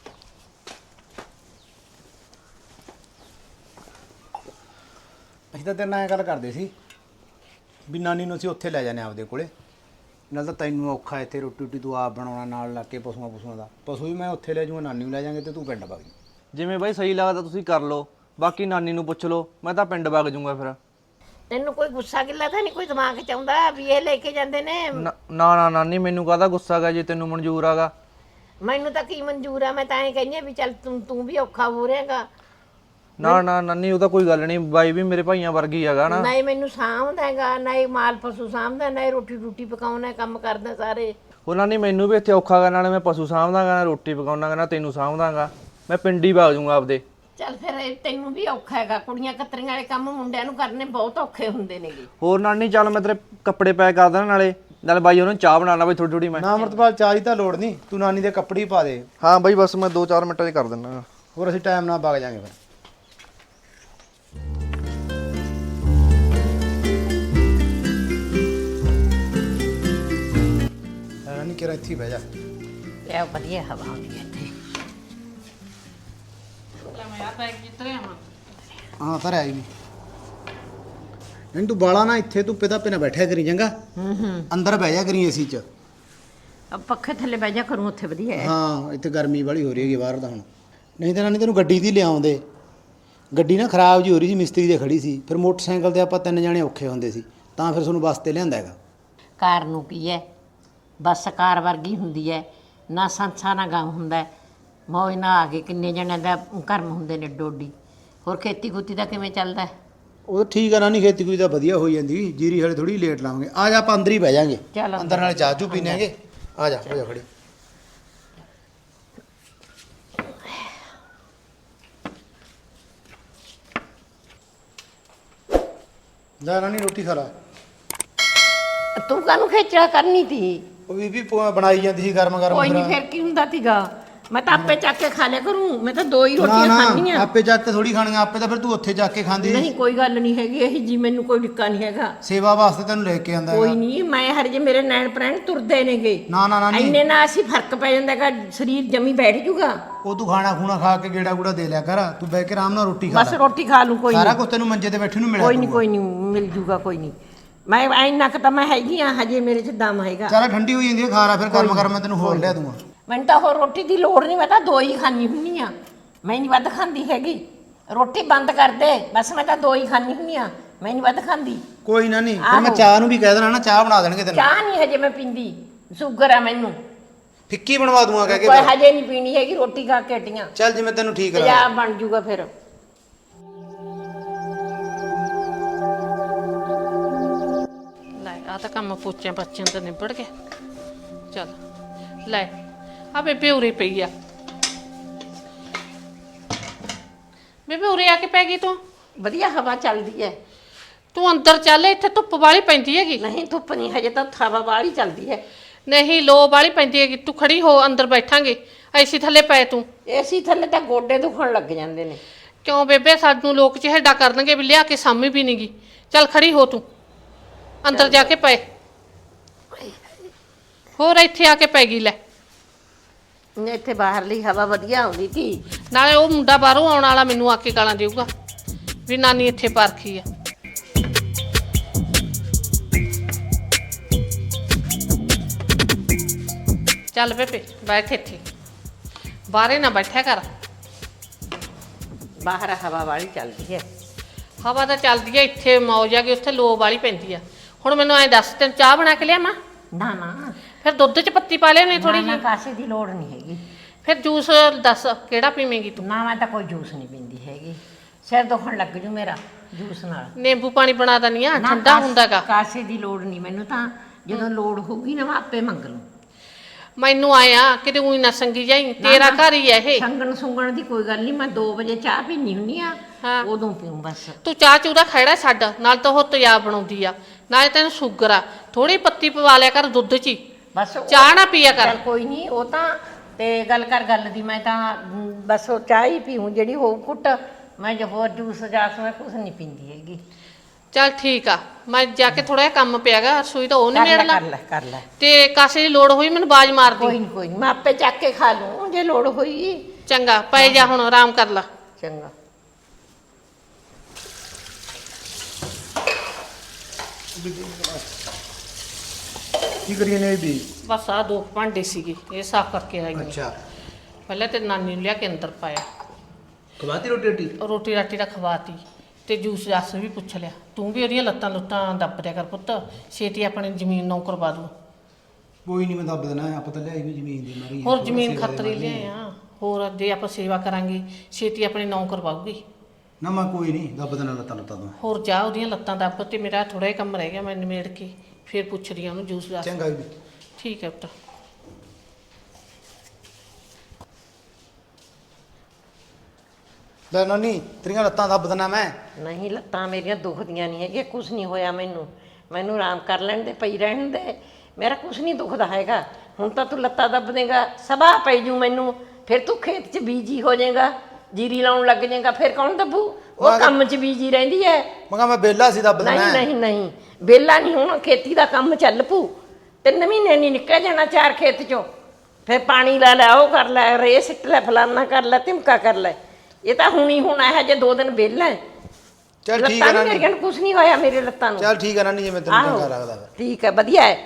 [SPEAKER 2] ਅਸੀਂ ਤਾਂ ਤੇਰੇ ਨਾਲ ਐਂ ਗੱਲ ਕਰਦੇ ਸੀ ਵੀ ਨਾਨੀ ਨੂੰ ਅਸੀਂ ਉੱਥੇ ਲੈ ਜਾਂਦੇ ਆਪਦੇ ਕੋਲੇ, ਨਾਲ ਤਾਂ ਤੈਨੂੰ ਔਖਾ ਇੱਥੇ ਰੋਟੀ ਰੋਟੀ ਤੂੰ ਆਪ ਬਣਾਉਣਾ, ਨਾਲ ਲੱਗ ਕੇ ਪਸ਼ੂਆਂ ਦਾ ਪਸ਼ੂ ਵੀ ਮੈਂ ਉੱਥੇ ਲੈ ਜਾਊਂਗਾ, ਨਾਨੀ ਨੂੰ ਲੈ ਜਾਾਂਗੇ ਤੇ ਤੂੰ ਪਿੰਡ ਵਗ ਜੀ।
[SPEAKER 5] ਜਿਵੇਂ ਬਾਈ ਸਹੀ ਲੱਗਦਾ ਤੁਸੀਂ ਕਰ ਲਓ, ਬਾਕੀ ਨਾਨੀ ਨੂੰ ਪੁੱਛ ਲਓ, ਮੈਂ ਤਾਂ ਪਿੰਡ ਵਗ ਜਾਊਂਗਾ ਫਿਰ।
[SPEAKER 4] ਤੈਨੂੰ ਕੋਈ ਗੁੱਸਾ ਗਿੱਲਾ ਤਾਂ ਨਹੀਂ ਕੋਈ ਦਿਮਾਗ 'ਚ ਆਉਂਦਾ ਵੀ ਇਹ ਲੈ ਕੇ ਜਾਂਦੇ ਨੇ?
[SPEAKER 5] ਨਾ ਨਾ ਨਾਨੀ, ਮੈਨੂੰ ਕਾਹਦਾ ਗੁੱਸਾ ਗਾ ਜੇ ਤੈਨੂੰ ਮਨਜ਼ੂਰ ਆਗਾ।
[SPEAKER 4] ਮੈਨੂੰ ਤਾਂ ਕੀ ਮਨਜ਼ੂਰ ਆ, ਮੈਂ ਤਾਂ ਐਂ ਕਹਿੰਦੀ ਆ ਵੀ ਚੱਲ ਤੂੰ ਵੀ ਔਖਾ ਹੋ ਰਿਹਾਗਾ।
[SPEAKER 5] ਨਾ ਨਾਨੀ, ਉਹ ਤਾਂ ਕੋਈ ਗੱਲ ਨਹੀਂ, ਬਾਈ ਵੀ ਮੇਰੇ ਭਾਈਆਂ ਵਰਗੀ ਹੈਗਾ ਨਾ।
[SPEAKER 4] ਨਾ ਹੀ ਮੈਨੂੰ ਸਾਂਭਦਾ ਹੈਗਾ, ਨਾ ਹੀ ਮਾਲ ਪਸ਼ੂ ਸਾਂਭਦਾ, ਨਾ ਹੀ ਰੋਟੀ ਪਕਾਉਣਾ, ਕੰਮ ਕਰਦਾ ਸਾਰੇ।
[SPEAKER 5] ਉਹ ਨਾਨੀ ਮੈਨੂੰ ਵੀ ਇੱਥੇ ਔਖਾ ਗਾ, ਨਾਲੇ ਮੈਂ ਪਸ਼ੂ ਸਾਂਭਦਾਗਾ, ਨਾ ਰੋਟੀ ਪਕਾਉਣਾਗਾ, ਨਾ ਤੈਨੂੰ ਸਾਂਭਦਾਗਾ। ਮੈਂ ਪਿੰਡ ਹੀ ਵਗ ਜਾਊਂਗਾ ਆਪਦੇ।
[SPEAKER 4] ਚੱਲ ਫਿਰ ਤੈਨੂੰ ਵੀ ਔਖਾ ਹੈਗਾ, ਕੁੜੀਆਂ ਕਤਰੀਆਂ ਵਾਲੇ ਕੰਮ ਮੁੰਡਿਆਂ ਨੂੰ ਕਰਨੇ ਬਹੁਤ ਔਖੇ ਹੁੰਦੇ ਨੇਗੇ।
[SPEAKER 5] ਹੋਰ ਨਾਨੀ, ਚੱਲ ਮੈਂ ਤੇਰੇ ਕੱਪੜੇ ਪੈਕ ਕਰ ਦੇਣਾ, ਨਾਲੇ ਬਾਈ ਉਹਨੂੰ ਚਾਹ ਬਣਾ ਲਾ ਬਈ ਥੋੜੀ ਥੋੜੀ ਮੈਂ।
[SPEAKER 2] ਨਾ ਅਮਰਤਪਾਲ ਚਾਹ ਦੀ ਤਾਂ ਲੋੜ ਨਹੀਂ, ਤੂੰ ਨਾਨੀ ਦੇ ਕੱਪੜੇ ਹੀ ਪਾ ਦੇ।
[SPEAKER 5] ਹਾਂ ਬਾਈ, ਬਸ ਮੈਂ 2-4 ਮਿੰਟਾਂ 'ਚ ਕਰ ਦਿੰਦਾ।
[SPEAKER 2] ਹੋਰ ਅਸੀਂ ਟਾਈਮ ਨਾਲ ਵਗ ਜਾਾਂਗੇ ਫਿਰ। ਨਾਨੀ ਕਿਹੜਾ ਇੱਥੇ ਬਹਿ ਜਾ।
[SPEAKER 4] ਇਹ ਵਧੀਆ ਹਵਾ ਆਉਂਦੀ ਹੈ ਇੱਥੇ।
[SPEAKER 1] ਮੈਂ ਆ ਬੈਗ ਜਿੱਤਰੇ ਆਵਾਂ।
[SPEAKER 2] ਹਾਂ ਤਾਂ ਆਈ ਨਹੀਂ। ਨਹੀਂ ਤੂੰ ਬਾਲਾ ਨਾ ਇੱਥੇ ਧੁੱਪੇ ਧਾਪੇ ਨਾ ਬੈਠਿਆ ਕਰੀ ਚੰਗਾ। ਅੰਦਰ ਬਹਿ ਜਾ ਕਰੀ ਏਸੀ 'ਚ।
[SPEAKER 4] ਅਬ ਪੱਖੇ ਥੱਲੇ ਬਹਿ ਜਾ ਕਰੂੰ, ਉੱਥੇ ਵਧੀਆ ਹੈ।
[SPEAKER 2] ਹਾਂ ਇੱਥੇ ਗਰਮੀ ਵਾਲੀ ਹੋ ਰਹੀ ਹੈਗੀ ਬਾਹਰ ਤਾਂ ਹੁਣ। ਨਹੀਂ ਤਾਂ ਨਾਨੀ ਤੈਨੂੰ ਗੱਡੀ ਦੀ ਲਿਆਉਂਦੇ। ਗੱਡੀ ਨਾ ਖਰਾਬ ਜੀ ਹੋ ਰਹੀ ਸੀ, ਮਿਸਤਰੀ ਦੇ ਖੜੀ ਸੀ, ਫਿਰ ਮੋਟਰਸਾਈਕਲ ਤੇ ਆਪਾਂ 3 ਜਣੇ ਔਖੇ ਹੁੰਦੇ ਸੀ, ਤਾਂ ਫਿਰ ਤੁਹਾਨੂੰ ਬੱਸ ਤੇ ਲਿਆਂਦਾ ਹੈਗਾ।
[SPEAKER 4] ਕਾਰ ਨੂੰ ਕੀ ਹੈ, ਬੱਸ ਕਾਰ ਵਰਗੀ ਹੁੰਦੀ ਹੈ, ਨਾ ਸੰਸਾ ਨਾ ਗਮ ਹੁੰਦਾ, ਮੌਜ ਨਾਲ ਆ ਕੇ ਕਿੰਨੇ ਜਣਿਆਂ ਦਾ ਕਰਮ ਹੁੰਦੇ ਨੇ ਡੋਡੀ। ਹੋਰ ਖੇਤੀ ਖੂਤੀ ਦਾ ਕਿਵੇਂ ਚੱਲਦਾ?
[SPEAKER 2] ਉਹ ਠੀਕ ਆ ਨਾਨੀ, ਖੇਤੀ ਕੋਈ ਤਾਂ ਵਧੀਆ ਹੋਈ ਜਾਂਦੀ, ਜੀਰੀ ਹਲੇ ਥੋੜੀ ਲੇਟ ਲਾਵਾਂਗੇ। ਆ ਜਾ ਆਪਾਂ ਅੰਦਰ ਹੀ ਬਹਿ ਜਾਾਂਗੇ,
[SPEAKER 4] ਚੱਲ
[SPEAKER 2] ਅੰਦਰ ਨਾਲ ਚਾਹ ਚੂ ਪੀਣਾਂਗੇ। ਆ ਜਾ ਹੋ ਜਾ ਖੜੀ। ਲੈ ਨਾਨੀ ਰੋਟੀ ਖਾ ਲਾ।
[SPEAKER 4] ਤੂੰ ਕਾਹਨੂੰ ਖੇਚਾ ਕਰਨੀ ਤੀ?
[SPEAKER 2] ਉਹ ਬੀਬੀ ਬਣਾਈ ਜਾਂਦੀ ਸੀ ਗਰਮ ਗਰਮ।
[SPEAKER 4] ਕੋਈ ਨਹੀਂ, ਫਿਰ ਕੀ ਹੁੰਦਾ ਤੀਗਾ, ਮੈਂ ਤਾਂ ਆਪੇ ਚੱਕ ਕੇ ਖਾ ਲਿਆ ਕਰੂੰ, ਮੈਂ ਤਾਂ 2 ਹੀ
[SPEAKER 2] ਨਾ
[SPEAKER 4] ਰੋਟੀਆਂ
[SPEAKER 2] ਨਾ
[SPEAKER 4] ਖਾਣੀਆਂ।
[SPEAKER 2] ਆਪੇ ਜਾ ਕੇ ਥੋੜੀ ਖਾਣੀਆਂ, ਆਪੇ ਤਾਂ ਫਿਰ ਤੂੰ ਉੱਥੇ ਜਾ ਕੇ ਖਾਂਦੀ।
[SPEAKER 4] ਨਹੀਂ ਕੋਈ ਗੱਲ ਨਹੀਂ ਹੈਗੀ ਇਹ ਜੀ, ਮੈਨੂੰ ਕੋਈ ਡਿੱਕਾ ਨਹੀਂ ਹੈਗਾ।
[SPEAKER 2] ਸੇਵਾ ਵਾਸਤੇ ਤੈਨੂੰ ਲੈ ਕੇ ਆਂਦਾ
[SPEAKER 4] ਕੋਈ
[SPEAKER 2] ਹੈਗਾ।
[SPEAKER 4] ਨਹੀਂ, ਮੈਂ ਹਰ ਜੇ ਮੇਰੇ ਨੈਣ ਪ੍ਰੈਣ ਤੁਰਦੇ ਨੇਗੇ,
[SPEAKER 2] ਨਾ ਨਾ ਨਾਨੀ,
[SPEAKER 4] ਇੰਨੇ ਨਾਲ ਅਸੀਂ ਫਰਕ ਪੈ ਜਾਂਦਾ ਹੈਗਾ, ਸਰੀਰ ਜਮੀ ਬੈਠ ਜੂਗਾ।
[SPEAKER 2] ਉਹ ਤੂੰ ਖਾਣਾ ਖੂਣਾ ਖਾ ਕੇ ਗੇੜਾ ਗੂੜਾ ਦੇ ਲਿਆ ਕਰ, ਤੂੰ ਬਹਿ ਕੇ ਆਰਾਮ ਨਾਲ ਰੋਟੀ ਖਾ
[SPEAKER 4] ਬਸ
[SPEAKER 2] ਲੈ।
[SPEAKER 4] ਰੋਟੀ ਖਾ ਲੂੰ, ਕੋਈ
[SPEAKER 2] ਸਾਰਾ
[SPEAKER 4] ਨਹੀਂ
[SPEAKER 2] ਕੁਝ ਤੈਨੂੰ ਮੰਜੇ ਤੇ ਬੈਠੇ ਨੂੰ ਮਿਲਿਆ
[SPEAKER 4] ਕੋਈ ਨਹੀਂ ਕੋਈ ਨਹੀਂ ਮਿਲ ਜੂਗਾ, ਕੋਈ ਨਹੀਂ। ਮੈਂ ਇੰਨਾ ਕੁ ਤਾਂ ਮੈਂ ਹੈਗੀ ਆ, ਹਜੇ ਮੇਰੇ 'ਚ ਦਮ ਹੈਗਾ।
[SPEAKER 2] ਚੱਲ ਠੰਡੀ ਹੋਈ ਜਾਂਦੀ ਹੈ, ਖਾ ਲੈ ਫਿਰ ਗਰਮ ਗਰਮ ਮੈਂ ਤੈਨੂੰ ਹੋਰ ਲਿਆ ਦੂੰਗਾ।
[SPEAKER 4] ਮੈਨੂੰ ਤਾਂ ਹੋਰ ਰੋਟੀ ਦੀ ਲੋੜ ਨਹੀਂ, ਮੈਂ ਤਾਂ 2 ਹੀ ਖਾਣੀ ਹੁੰਨੀ ਆ, ਮੈਂ ਨਹੀਂ ਵੱਧ ਖਾਂਦੀ ਹੈਗੀ। ਰੋਟੀ ਬੰਦ ਕਰ ਦੇ ਬਸ, ਮੈਂ ਤਾਂ 2 ਹੀ ਖਾਣੀ ਹੁੰਨੀ ਆ, ਮੈਂ ਨਹੀਂ ਵੱਧ ਖਾਂਦੀ।
[SPEAKER 2] ਕੋਈ ਨਾ ਨਹੀਂ, ਫਿਰ ਮੈਂ ਚਾਹ ਨੂੰ ਵੀ ਕਹਿ ਦੇਣਾ ਨਾ, ਚਾਹ ਬਣਾ ਦੇਣਗੇ ਤੈਨੂੰ।
[SPEAKER 4] ਚਾਹ ਨਹੀਂ ਹਜੇ ਮੈਂ ਪੀਂਦੀ, ਸ਼ੂਗਰ ਆ ਮੈਨੂੰ।
[SPEAKER 2] ਫਿੱਕੀ ਬਣਵਾ ਦੂੰਗਾ ਕਹਿ ਕੇ
[SPEAKER 4] ਕੋਈ
[SPEAKER 2] ਫਿਰ।
[SPEAKER 4] ਹਜੇ ਨਹੀਂ ਪੀਣੀ ਹੈਗੀ, ਰੋਟੀ ਖਾ ਕੇ ਹਟੀਆਂ।
[SPEAKER 2] ਚੱਲ ਜਿਵੇਂ ਤੈਨੂੰ ਠੀਕ
[SPEAKER 4] ਤੇਜ਼ਾਬ
[SPEAKER 2] ਲੱਗਦਾ।
[SPEAKER 4] ਬਣ ਜੂਗਾ ਫਿਰ।
[SPEAKER 1] ਲੈ ਆ ਤਾਂ ਕੰਮ ਪੋਚਿਆਂ ਪੱਚਿਆਂ ਤਾਂ ਨਿਬੜ ਗਿਆ। ਚੱਲ ਲੈ ਆ ਬੇਬੇ ਉਰੇ ਪਈ ਆ। ਬੇਬੇ ਉਰੇ ਆ ਕੇ ਪੈ ਗਈ ਤੂੰ?
[SPEAKER 4] ਵਧੀਆ ਹਵਾ ਚੱਲਦੀ ਹੈ।
[SPEAKER 1] ਤੂੰ ਅੰਦਰ ਚੱਲ, ਇੱਥੇ ਧੁੱਪ ਵਾਲੀ ਪੈਂਦੀ ਹੈਗੀ।
[SPEAKER 4] ਨਹੀਂ ਧੁੱਪ ਨਹੀਂ, ਹਜੇ ਤਾਂ ਹਵਾ ਬਾਹਲੀ ਚੱਲਦੀ ਹੈ।
[SPEAKER 1] ਨਹੀਂ ਲੋ ਵਾਲੀ ਪੈਂਦੀ ਹੈਗੀ, ਤੂੰ ਖੜੀ ਹੋ, ਅੰਦਰ ਬੈਠਾਂਗੇ। ਐਸੀ ਥੱਲੇ ਪੈ ਤੂੰ।
[SPEAKER 4] ਏਸੀ ਥੱਲੇ ਤਾਂ ਗੋਡੇ ਦੁਖਣ ਲੱਗ ਜਾਂਦੇ ਨੇ।
[SPEAKER 1] ਕਿਉਂ ਬੇਬੇ, ਸਾਨੂੰ ਲੋਕ ਚਿਹੜਾ ਕਰਨਗੇ ਵੀ ਲਿਆ ਕੇ ਸਾਮੀ ਵੀ ਨਹੀਂਗੀ। ਚੱਲ ਖੜੀ ਹੋ ਤੂੰ, ਅੰਦਰ ਜਾ ਕੇ ਪਏ। ਹੋਰ ਇੱਥੇ ਆ ਕੇ ਪੈ ਗਈ ਲੈ।
[SPEAKER 4] ਇੱਥੇ ਬਾਹਰਲੀ ਹਵਾ ਵਧੀਆ ਆਉਂਦੀ ਸੀ।
[SPEAKER 1] ਨਾਲੇ ਉਹ ਮੁੰਡਾ ਬਾਹਰੋਂ ਆਉਣ ਵਾਲਾ ਮੈਨੂੰ ਆ ਕੇ ਗਾਲਾਂ ਦੇਊਗਾ ਵੀ ਨਾਨੀ ਇੱਥੇ ਪਰਖੀ ਆ। ਚੱਲ ਬੇਬੇ ਬੈਠ ਇੱਥੇ, ਬਾਹਰੇ ਨਾ ਬੈਠਿਆ ਕਰ।
[SPEAKER 4] ਬਾਹਰ ਹਵਾ ਵਾਲੀ ਚੱਲਦੀ ਹੈ।
[SPEAKER 1] ਹਵਾ ਤਾਂ ਚੱਲਦੀ ਆ, ਇੱਥੇ ਮੌਜ ਆ ਗਈ, ਉੱਥੇ ਲੋ ਵਾਲੀ ਪੈਂਦੀ ਆ। ਹੁਣ ਮੈਨੂੰ ਐਂ ਦੱਸ, ਤੈਨੂੰ ਚਾਹ ਬਣਾ ਕੇ ਲਿਆਵਾਂ?
[SPEAKER 4] ਨਾ ਨਾ,
[SPEAKER 1] ਫਿਰ ਦੁੱਧ 'ਚ ਪੱਤੀ ਪਾ ਲਿਆਉਣੀ ਥੋੜੀ
[SPEAKER 4] ਨਾ
[SPEAKER 1] ਜਿਹੀ।
[SPEAKER 4] ਕਾਸੇ ਦੀ ਲੋੜ ਨਹੀਂ ਹੈਗੀ।
[SPEAKER 1] ਫਿਰ ਜੂਸ ਦੱਸ ਕਿਹੜਾ ਪੀਵੇਂਗੀ ਤੂੰ?
[SPEAKER 4] ਨਾ ਮੈਂ ਤਾਂ ਕੋਈ ਜੂਸ ਨਹੀਂ ਪੀਂਦੀ ਹੈਗੀ, ਸਿਰ ਦੁਖਣ ਲੱਗ ਜੂ ਮੇਰਾ ਜੂਸ ਨਾਲ।
[SPEAKER 1] ਨਿੰਬੂ ਪਾਣੀ ਬਣਾ ਦਨੀ ਆ,
[SPEAKER 4] ਨਾ,
[SPEAKER 1] ਠੰਡਾ ਹੁੰਦਾਗਾ।
[SPEAKER 4] ਕਾਸੇ ਦੀ ਲੋੜ ਨਹੀਂ ਮੈਨੂੰ, ਤਾਂ ਜਦੋਂ ਲੋੜ ਹੋਊਗੀ ਨਾ ਮੈਂ ਆਪੇ ਮੰਗ ਲੂੰ।
[SPEAKER 1] ਮੈਨੂੰ ਆਇਆ ਕਿਤੇ ਉਹੀ ਨਾ ਸੰਗੀ ਜਾਈ, ਤੇਰਾ ਘਰ ਹੀ ਹੈ ਇਹ।
[SPEAKER 4] ਸੰਗਣ ਸੁੰਗਣ ਦੀ ਕੋਈ ਗੱਲ ਨਹੀਂ, ਮੈਂ 2 ਵਜੇ ਚਾਹ ਪੀਣੀ ਹੁੰਨੀ ਆ,
[SPEAKER 1] ਹਾਂ।
[SPEAKER 4] ਉਦੋਂ ਪੀਉਂ ਬਸ।
[SPEAKER 1] ਤੂੰ ਚਾਹ ਚੂਦਾ ਖੜਾ ਛੱਡ, ਨਾਲ ਤਾਂ ਉਹ ਤਿਆਬ ਬਣਾਉਂਦੀ ਆ, ਨਾਲੇ ਤੈਨੂੰ ਸ਼ੂਗਰ ਆ, ਥੋੜੀ ਪੱਤੀ ਪਵਾ ਲਿਆ ਕਰ ਦੁੱਧ 'ਚ ਹੀ,
[SPEAKER 4] ਬਸ
[SPEAKER 1] ਚਾਹ ਨਾ ਪੀਆ ਕਰ।
[SPEAKER 4] ਚੱਲ ਕੋਈ ਨਹੀਂ, ਉਹ ਤਾਂ ਤੇ ਗੱਲ ਕਰ ਗੱਲ ਦੀ, ਮੈਂ ਤਾਂ ਬਸ ਉਹ ਚਾਹ ਹੀ ਪੀਉਂ ਜਿਹੜੀ ਹੋਊ ਕੁੱਟ, ਮੈਂ ਜੋ ਹੋਰ ਜੂਸ ਜਾਸ ਮੈਂ ਕੁਛ ਨਹੀਂ ਪੀਂਦੀ ਹੈਗੀ।
[SPEAKER 1] ਚੱਲ ਠੀਕ ਆ, ਮੈਂ ਜਾ ਕੇ ਥੋੜਾ ਜਿਹਾ ਕੰਮ ਪਿਆਗਾ, ਰਸੋਈ ਤਾਂ ਉਹ ਨਹੀਂ
[SPEAKER 4] ਕਰ ਲੈ
[SPEAKER 1] ਮੇੜਨਾ,
[SPEAKER 4] ਕਰ ਲੈ ਕਰ ਲੈ,
[SPEAKER 1] ਤੇ ਕਾਸੇ ਦੀ ਲੋੜ ਹੋਈ ਮੈਨੂੰ ਬਾਜ਼ ਮਾਰ ਦੀ।
[SPEAKER 4] ਕੋਈ ਨਹੀਂ ਮੈਂ ਆਪੇ ਚੱਕ ਕੇ ਖਾ ਲੂੰ ਜੇ ਲੋੜ ਹੋਈ।
[SPEAKER 1] ਚੰਗਾ ਪੈ ਜਾ ਹੁਣ, ਆਰਾਮ ਕਰ ਲੈ।
[SPEAKER 4] ਚੰਗਾ।
[SPEAKER 2] ਕੀ ਕਰੀਏ ਨੇ ਵੀ?
[SPEAKER 1] ਬਸ ਆ 2 ਭਾਂਡੇ ਸੀਗੇ, ਇਹ ਸਾਫ਼ ਕਰਕੇ ਆਈ ਹਾਂ।
[SPEAKER 2] ਅੱਛਾ,
[SPEAKER 1] ਪਹਿਲਾਂ ਤੇ ਨਾਨੀ ਨੂੰ ਲਿਆ ਕੇ ਅੰਦਰ ਪਾਇਆ,
[SPEAKER 2] ਖਵਾਤੀ ਰੋਟੀ ਰੋਟੀ?
[SPEAKER 1] ਰੋਟੀ ਰਾਟੀ ਦਾ ਖਵਾਤੀ, ਤੇ ਜੂਸ ਜਾਸ ਵੀ ਪੁੱਛ ਲਿਆ। ਤੂੰ ਵੀ ਉਹਦੀਆਂ ਲੱਤਾਂ ਲੁੱਤਾਂ ਦੱਬ ਦਿਆ ਕਰ ਪੁੱਤ, ਛੇਤੀ ਆਪਣੀ ਜ਼ਮੀਨ ਨੌ ਕਰਵਾ ਦੂ।
[SPEAKER 2] ਕੋਈ ਨਹੀਂ, ਮੈਂ ਦੱਬ ਦੇਣਾ, ਆਪਾਂ ਤਾਂ ਲਿਆਈ ਵੀ ਜ਼ਮੀਨ ਦੀ ਮਾਰੀ।
[SPEAKER 1] ਹੋਰ ਜ਼ਮੀਨ ਖਤਰੀ ਲਿਆਏ ਆ, ਹੋਰ ਜੇ ਆਪਾਂ ਸੇਵਾ ਕਰਾਂਗੇ ਛੇਤੀ ਆਪਣੀ ਨੌ ਕਰਵਾਉਗੀ।
[SPEAKER 2] ਨਾ ਮੈਂ ਕੋਈ ਨਹੀਂ ਦੱਬ ਦੇਣਾ ਲੱਤਾਂ ਲੁੱਤਾਂ ਤੋਂ।
[SPEAKER 1] ਹੋਰ ਜਾ ਉਹਦੀਆਂ ਲੱਤਾਂ ਦੱਬ, ਤੇ ਮੇਰਾ ਥੋੜਾ ਜਿਹਾ ਕੰਮ ਰਹਿ ਗਿਆ, ਮੈਂ ਨਿਮੇੜ ਕੇ ਫਿਰ ਪੁੱਛਦੀ ਆ ਉਹਨੂੰ ਜੂਸ ਜਾਸ।
[SPEAKER 2] ਚੰਗਾ ਵੀ।
[SPEAKER 1] ਠੀਕ ਹੈ ਪੁੱਤ।
[SPEAKER 2] ਲੈ ਨਾਨੀ, ਤੇਰੀਆਂ ਲੱਤਾਂ ਦੱਬ ਦੇਣਾ ਮੈਂ।
[SPEAKER 4] ਨਹੀਂ ਲੱਤਾਂ ਮੇਰੀਆਂ ਦੁਖਦੀਆਂ ਨਹੀਂ ਹੈਗੀਆਂ, ਕੁਛ ਨਹੀਂ ਹੋਇਆ ਮੈਨੂੰ ਆਰਾਮ ਕਰ ਲੈਣ ਦੇ, ਪਈ ਰਹਿਣ ਦੇ, ਮੇਰਾ ਕੁਛ ਨਹੀਂ ਦੁਖਦਾ ਹੈਗਾ। ਹੁਣ ਤਾਂ ਤੂੰ ਲੱਤਾਂ ਦੱਬ ਦੇਗਾ, ਸਭਾ ਪੈ ਜੂ ਮੈਨੂੰ, ਫਿਰ ਤੂੰ ਖੇਤ 'ਚ ਬੀਜੀ ਹੋ ਜਾਏਗਾ, ਜੀਰੀ ਲਾਉਣ ਲੱਗ ਜਾਏਗਾ, ਫਿਰ ਕੌਣ ਦੱਬੂ? ਉਹ ਕੰਮ 'ਚ ਬੀਜੀ ਰਹਿੰਦੀ ਹੈ।
[SPEAKER 2] ਮੈਂ ਬੇਲਾ ਸੀ ਦੱਬ ਦੇਣਾ।
[SPEAKER 4] ਨਹੀਂ ਬੇਲਾ ਨਹੀਂ, ਹੁਣ ਖੇਤੀ ਦਾ ਕੰਮ ਚੱਲ ਪੂ, 3 ਮਹੀਨੇ ਨਹੀਂ ਨਿਕਲ ਜਾਣਾ 4 ਖੇਤ 'ਚੋਂ, ਫਿਰ ਪਾਣੀ ਲਾ ਲੈ, ਉਹ ਕਰ ਲੈ, ਰੇ ਸਿੱਟ ਲੈ, ਫਲਾਨਾ ਕਰ ਲੈ, ਧਮਕਾ ਕਰ ਲੈ। ਇਹ ਤਾਂ ਹੁਣੀ ਹੁਣ ਇਹ ਜੇ 2 ਦਿਨ ਵਿਹਲਾ।
[SPEAKER 2] ਚੱਲ ਠੀਕ ਹੈ ਨਾਨੀ,
[SPEAKER 4] ਮੇਰੀਆਂ ਨੂੰ ਕੁਛ ਨਹੀਂ ਹੋਇਆ, ਮੇਰੇ ਲੱਤਾਂ ਨੂੰ।
[SPEAKER 2] ਚੱਲ ਠੀਕ ਹੈ ਨਾਨੀ, ਜਿਵੇਂ ਤੈਨੂੰ ਚੰਗਾ ਲੱਗਦਾ ਫਿਰ।
[SPEAKER 4] ਠੀਕ ਹੈ, ਵਧੀਆ ਹੈ,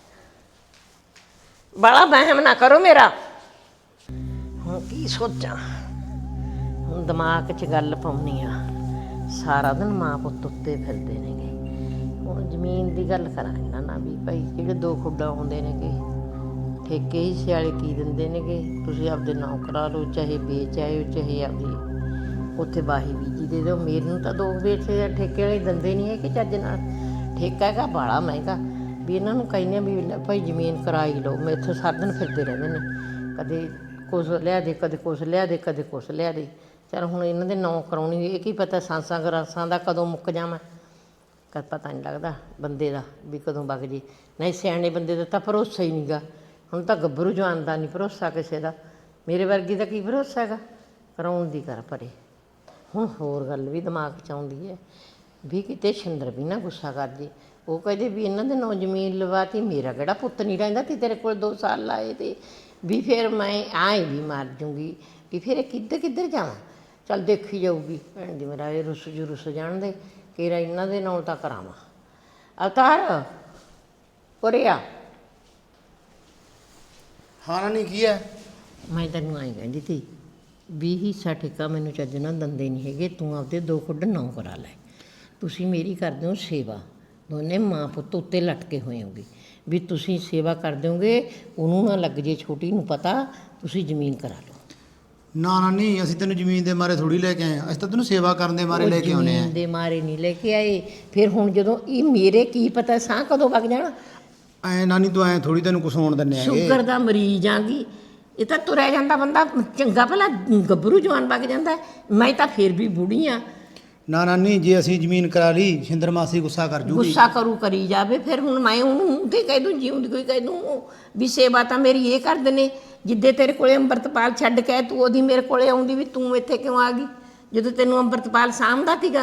[SPEAKER 4] ਬੜਾ ਵਹਿਮ ਨਾ ਕਰੋ ਮੇਰਾ। ਹੁਣ ਕੀ ਸੋਚਾਂ, ਹੁਣ ਦਿਮਾਗ 'ਚ ਗੱਲ ਪਾਉਣੀ ਆ, ਸਾਰਾ ਦਿਨ ਮਾਂ ਪੁੱਤ ਉੱਤੇ ਫਿਰਦੇ ਨੇਗੇ। ਹੁਣ ਜ਼ਮੀਨ ਦੀ ਗੱਲ ਕਰਾਂ ਇਹਨਾਂ ਨਾਲ ਵੀ ਭਾਈ, ਜਿਹੜੇ 2 ਖੁੱਡਾ ਆਉਂਦੇ ਨੇਗੇ, ਠੇਕੇ ਹਿੱਸੇ ਵਾਲੇ ਕੀ ਦਿੰਦੇ ਨੇਗੇ, ਤੁਸੀਂ ਆਪਦੇ ਨਾਂ ਕਰਾ ਲਓ, ਚਾਹੇ ਵੇਚ ਆਇਓ, ਚਾਹੇ ਆਪਦੀ ਉੱਥੇ ਬਾਹੀ ਬੀਜੀ ਦੇ ਦਿਓ। ਮੇਰੇ ਨੂੰ ਤਾਂ 2 ਵੇਚ ਠੇਕੇ ਵਾਲੇ ਦਿੰਦੇ ਨਹੀਂ ਹੈ ਕਿ ਚੱਜ ਨਾਲ, ਠੇਕਾ ਹੈਗਾ ਬਾਹਲਾ ਮਹਿੰਗਾ, ਵੀ ਇਹਨਾਂ ਨੂੰ ਕਹਿੰਦੇ ਵੀ ਭਾਈ ਜ਼ਮੀਨ ਕਰਾਈ ਲਓ। ਮੈਂ ਇੱਥੇ ਸਾਰਾ ਦਿਨ ਫਿਰਦੇ ਰਹਿੰਦੇ ਨੇ, ਕਦੇ ਕੁਛ ਲਿਆ ਦੇ, ਕਦੇ ਕੁਛ ਲਿਆ ਦੇ, ਕਦੇ ਕੁਛ ਲਿਆ ਦੇ। ਚੱਲ ਹੁਣ ਇਹਨਾਂ ਦੇ ਨਾਂ ਕਰਾਉਣੀ, ਇਹ ਕੀ ਪਤਾ ਸਾਂਸਾਂ ਗਰਾਸਾਂ ਦਾ ਕਦੋਂ ਮੁੱਕ ਜਾਵਾਂ, ਕਦ ਪਤਾ ਨਹੀਂ ਲੱਗਦਾ ਬੰਦੇ ਦਾ ਵੀ ਕਦੋਂ ਵਗ ਜੇ। ਨਹੀਂ ਸਿਆਣੇ ਬੰਦੇ ਦਾ ਤਾਂ ਭਰੋਸਾ ਹੀ ਨਹੀਂਗਾ, ਹੁਣ ਤਾਂ ਗੱਭਰੂ ਜਵਾਨ ਦਾ ਨਹੀਂ ਭਰੋਸਾ ਕਿਸੇ ਦਾ, ਮੇਰੇ ਵਰਗੀ ਦਾ ਕੀ ਭਰੋਸਾ ਹੈਗਾ, ਕਰਾਉਣ ਦੀ ਕਰ ਪਰੇ। ਹੁਣ ਹੋਰ ਗੱਲ ਵੀ ਦਿਮਾਗ 'ਚ ਆਉਂਦੀ ਹੈ ਵੀ ਕਿਤੇ ਸ਼ਿੰਦਰ ਵੀ ਨਾ ਗੁੱਸਾ ਕਰ ਜੇ, ਉਹ ਕਹਿੰਦੇ ਵੀ ਇਹਨਾਂ ਦੇ ਨਾਂ ਜ਼ਮੀਨ ਲਵਾਤੀ, ਮੇਰਾ ਕਿਹੜਾ ਪੁੱਤ ਨਹੀਂ ਰਹਿੰਦਾ ਤੀ ਤੇਰੇ ਕੋਲ 2 ਸਾਲ ਲਾਏ ਤੇ, ਵੀ ਫਿਰ ਮੈਂ ਆਏ ਵੀ ਮਰ ਜੂੰਗੀ, ਵੀ ਫਿਰ ਇਹ ਕਿੱਧਰ ਜਾਵਾਂ। ਚੱਲ ਦੇਖੀ ਜਾਊਗੀ ਭੈਣ ਜੀ, ਮੇਰਾ ਇਹ ਰੁੱਸ ਜਾਣ ਦੇ, ਕਿਹੜਾ ਇਹਨਾਂ ਦੇ ਨਾਂ ਤਾਂ ਕਰਾਵਾਂ। ਅਵਤਾਰ ਉਰੇ ਆ।
[SPEAKER 2] ਹਾਂ ਨਾਨੀ, ਕੀ ਹੈ?
[SPEAKER 4] ਮੈਂ ਤੈਨੂੰ ਆਈ ਕਹਿੰਦੀ ਤੀ ਵੀ ਹਿੱਸਾ ਠੇਕਾ ਮੈਨੂੰ ਚੱਜ ਨਾਲ ਦਿੰਦੇ ਨਹੀਂ ਹੈਗੇ, ਤੂੰ ਆਪਦੇ 2 ਖੁੱਡ ਨਾਂ ਕਰਾ ਲੈ। ਤੁਸੀਂ ਮੇਰੀ ਕਰਦੇ ਹੋ ਸੇਵਾ, ਦੋਨੇ ਮਾਂ ਪੁੱਤ ਉੱਤੇ ਲਟਕੇ ਹੋਏ ਹੋਗੇ, ਵੀ ਤੁਸੀਂ ਸੇਵਾ ਕਰ ਦਿਓਗੇ, ਉਹਨੂੰ ਨਾ ਲੱਗ ਜੇ ਛੋਟੀ ਨੂੰ ਪਤਾ, ਤੁਸੀਂ ਜ਼ਮੀਨ ਕਰਾ ਲਓ।
[SPEAKER 2] ਨਾ ਨਾਨੀ, ਅਸੀਂ ਤੈਨੂੰ ਜ਼ਮੀਨ ਦੇ ਮਾਰੇ ਥੋੜੀ ਲੈ ਕੇ ਆਏ, ਅਸੀਂ ਤਾਂ ਤੈਨੂੰ ਸੇਵਾ ਕਰਨ ਦੇ ਮਾਰੇ ਲੈ ਕੇ ਆਉਨੇ ਆ।
[SPEAKER 4] ਜ਼ਮੀਨ ਦੇ ਮਾਰੇ ਨਹੀਂ ਲੈ ਕੇ ਆਏ, ਫਿਰ ਹੁਣ ਜਦੋਂ ਇਹ ਮੇਰੇ ਕੀ ਪਤਾ ਸਾਹ ਕਦੋਂ ਵਗ ਜਾਣਾ।
[SPEAKER 2] ਐ ਨਾਨੀ ਤੂੰ ਐ ਥੋੜੀ ਤੈਨੂੰ ਕੁਛ ਹੋਣ ਦਿੰਨੇ ਆਗੇ।
[SPEAKER 4] ਸ਼ੂਗਰ ਦਾ ਮਰੀਜ਼ ਆਂਗੀ, ਇਹ ਤਾਂ ਤੁਰਿਆ ਜਾਂਦਾ ਬੰਦਾ ਚੰਗਾ ਭਲਾ ਗੱਭਰੂ ਜਵਾਨ ਵਗ ਜਾਂਦਾ, ਮੈਂ ਤਾਂ ਫਿਰ ਵੀ ਬੁੜੀ ਆ।
[SPEAKER 2] ਨਾ ਨਾਨੀ, ਜੇ ਅਸੀਂ ਜ਼ਮੀਨ ਕਰਾ ਲਈ, ਸ਼ਿੰਦਰ ਮਾਸੀ ਗੁੱਸਾ ਕਰ ਜੂਗੀ।
[SPEAKER 4] ਗੁੱਸਾ ਕਰੀ ਜਾਵੇ, ਫਿਰ ਹੁਣ ਮੈਂ ਉਹਨੂੰ ਤੇ ਕਹਿ ਦੂੰ, ਜਿਉਂਦੀ ਕੋਈ ਕਹਿ ਦੂੰ ਵੀ ਸੇਵਾ ਤਾਂ ਮੇਰੀ ਇਹ ਕਰਦੇ ਨੇ। ਜਿੱਦੇ ਤੇਰੇ ਕੋਲੇ ਅੰਮ੍ਰਿਤਪਾਲ ਛੱਡ ਕੇ ਤੂੰ ਉਹਦੀ ਮੇਰੇ ਕੋਲੇ ਆਉਂਦੀ, ਵੀ ਤੂੰ ਇੱਥੇ ਕਿਉਂ ਆ ਗਈ ਜਦੋਂ ਤੈਨੂੰ ਅੰਮ੍ਰਿਤਪਾਲ ਸਾਂਭਦਾ ਸੀਗਾ।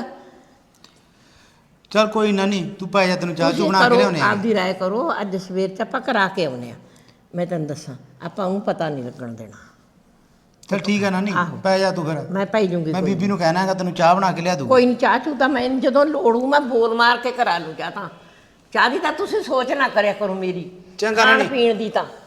[SPEAKER 2] ਚੱਲ ਕੋਈ ਨਾਨੀ, ਤੂੰ ਪੈ ਜਾ, ਤੈਨੂੰ ਚਾਹ ਚੂ ਬਣਾ ਕੇ ਲਿਆਉਣੇ ਆ।
[SPEAKER 4] ਆਪਦੀ ਰਾਏ ਕਰੋ, ਅੱਜ ਸਵੇਰ 'ਚ ਆਪਾਂ ਕਰਾ ਕੇ ਆਉਨੇ ਆ। ਮੈਂ ਤੈਨੂੰ ਦੱਸਾਂ, ਆਪਾਂ ਉਹਨੂੰ ਪਤਾ ਨਹੀਂ ਲੱਗਣ ਦੇਣਾ।
[SPEAKER 2] ਚੱਲ ਠੀਕ ਹੈ ਨਾਨੀ, ਪੈ ਜਾ ਤੂੰ ਫਿਰ।
[SPEAKER 4] ਮੈਂ ਪੈ ਜੂੰਗੀ,
[SPEAKER 2] ਮੈਂ ਬੀਬੀ ਨੂੰ ਕਹਿਣਾ ਹੈਗਾ ਤੈਨੂੰ ਚਾਹ ਬਣਾ ਕੇ ਲਿਆ ਦੂੰ।
[SPEAKER 4] ਕੋਈ ਨਹੀਂ, ਚਾਹ ਚੂ ਤਾਂ ਮੈਂ ਜਦੋਂ ਲੋੜੂ ਮੈਂ ਬੋਲ ਮਾਰ ਕੇ ਕਰਾ ਲੂੰ ਚਾਹ। ਤਾਂ ਚਾਹ ਦੀ ਤਾਂ ਤੁਸੀਂ ਸੋਚ ਨਾ ਕਰਿਆ ਕਰੋ ਮੇਰੀ,
[SPEAKER 2] ਚੰਗਾ
[SPEAKER 4] ਖਾਣ
[SPEAKER 2] ਨਾਨੀ।
[SPEAKER 4] ਪੀਣ ਦੀ ਤਾਂ।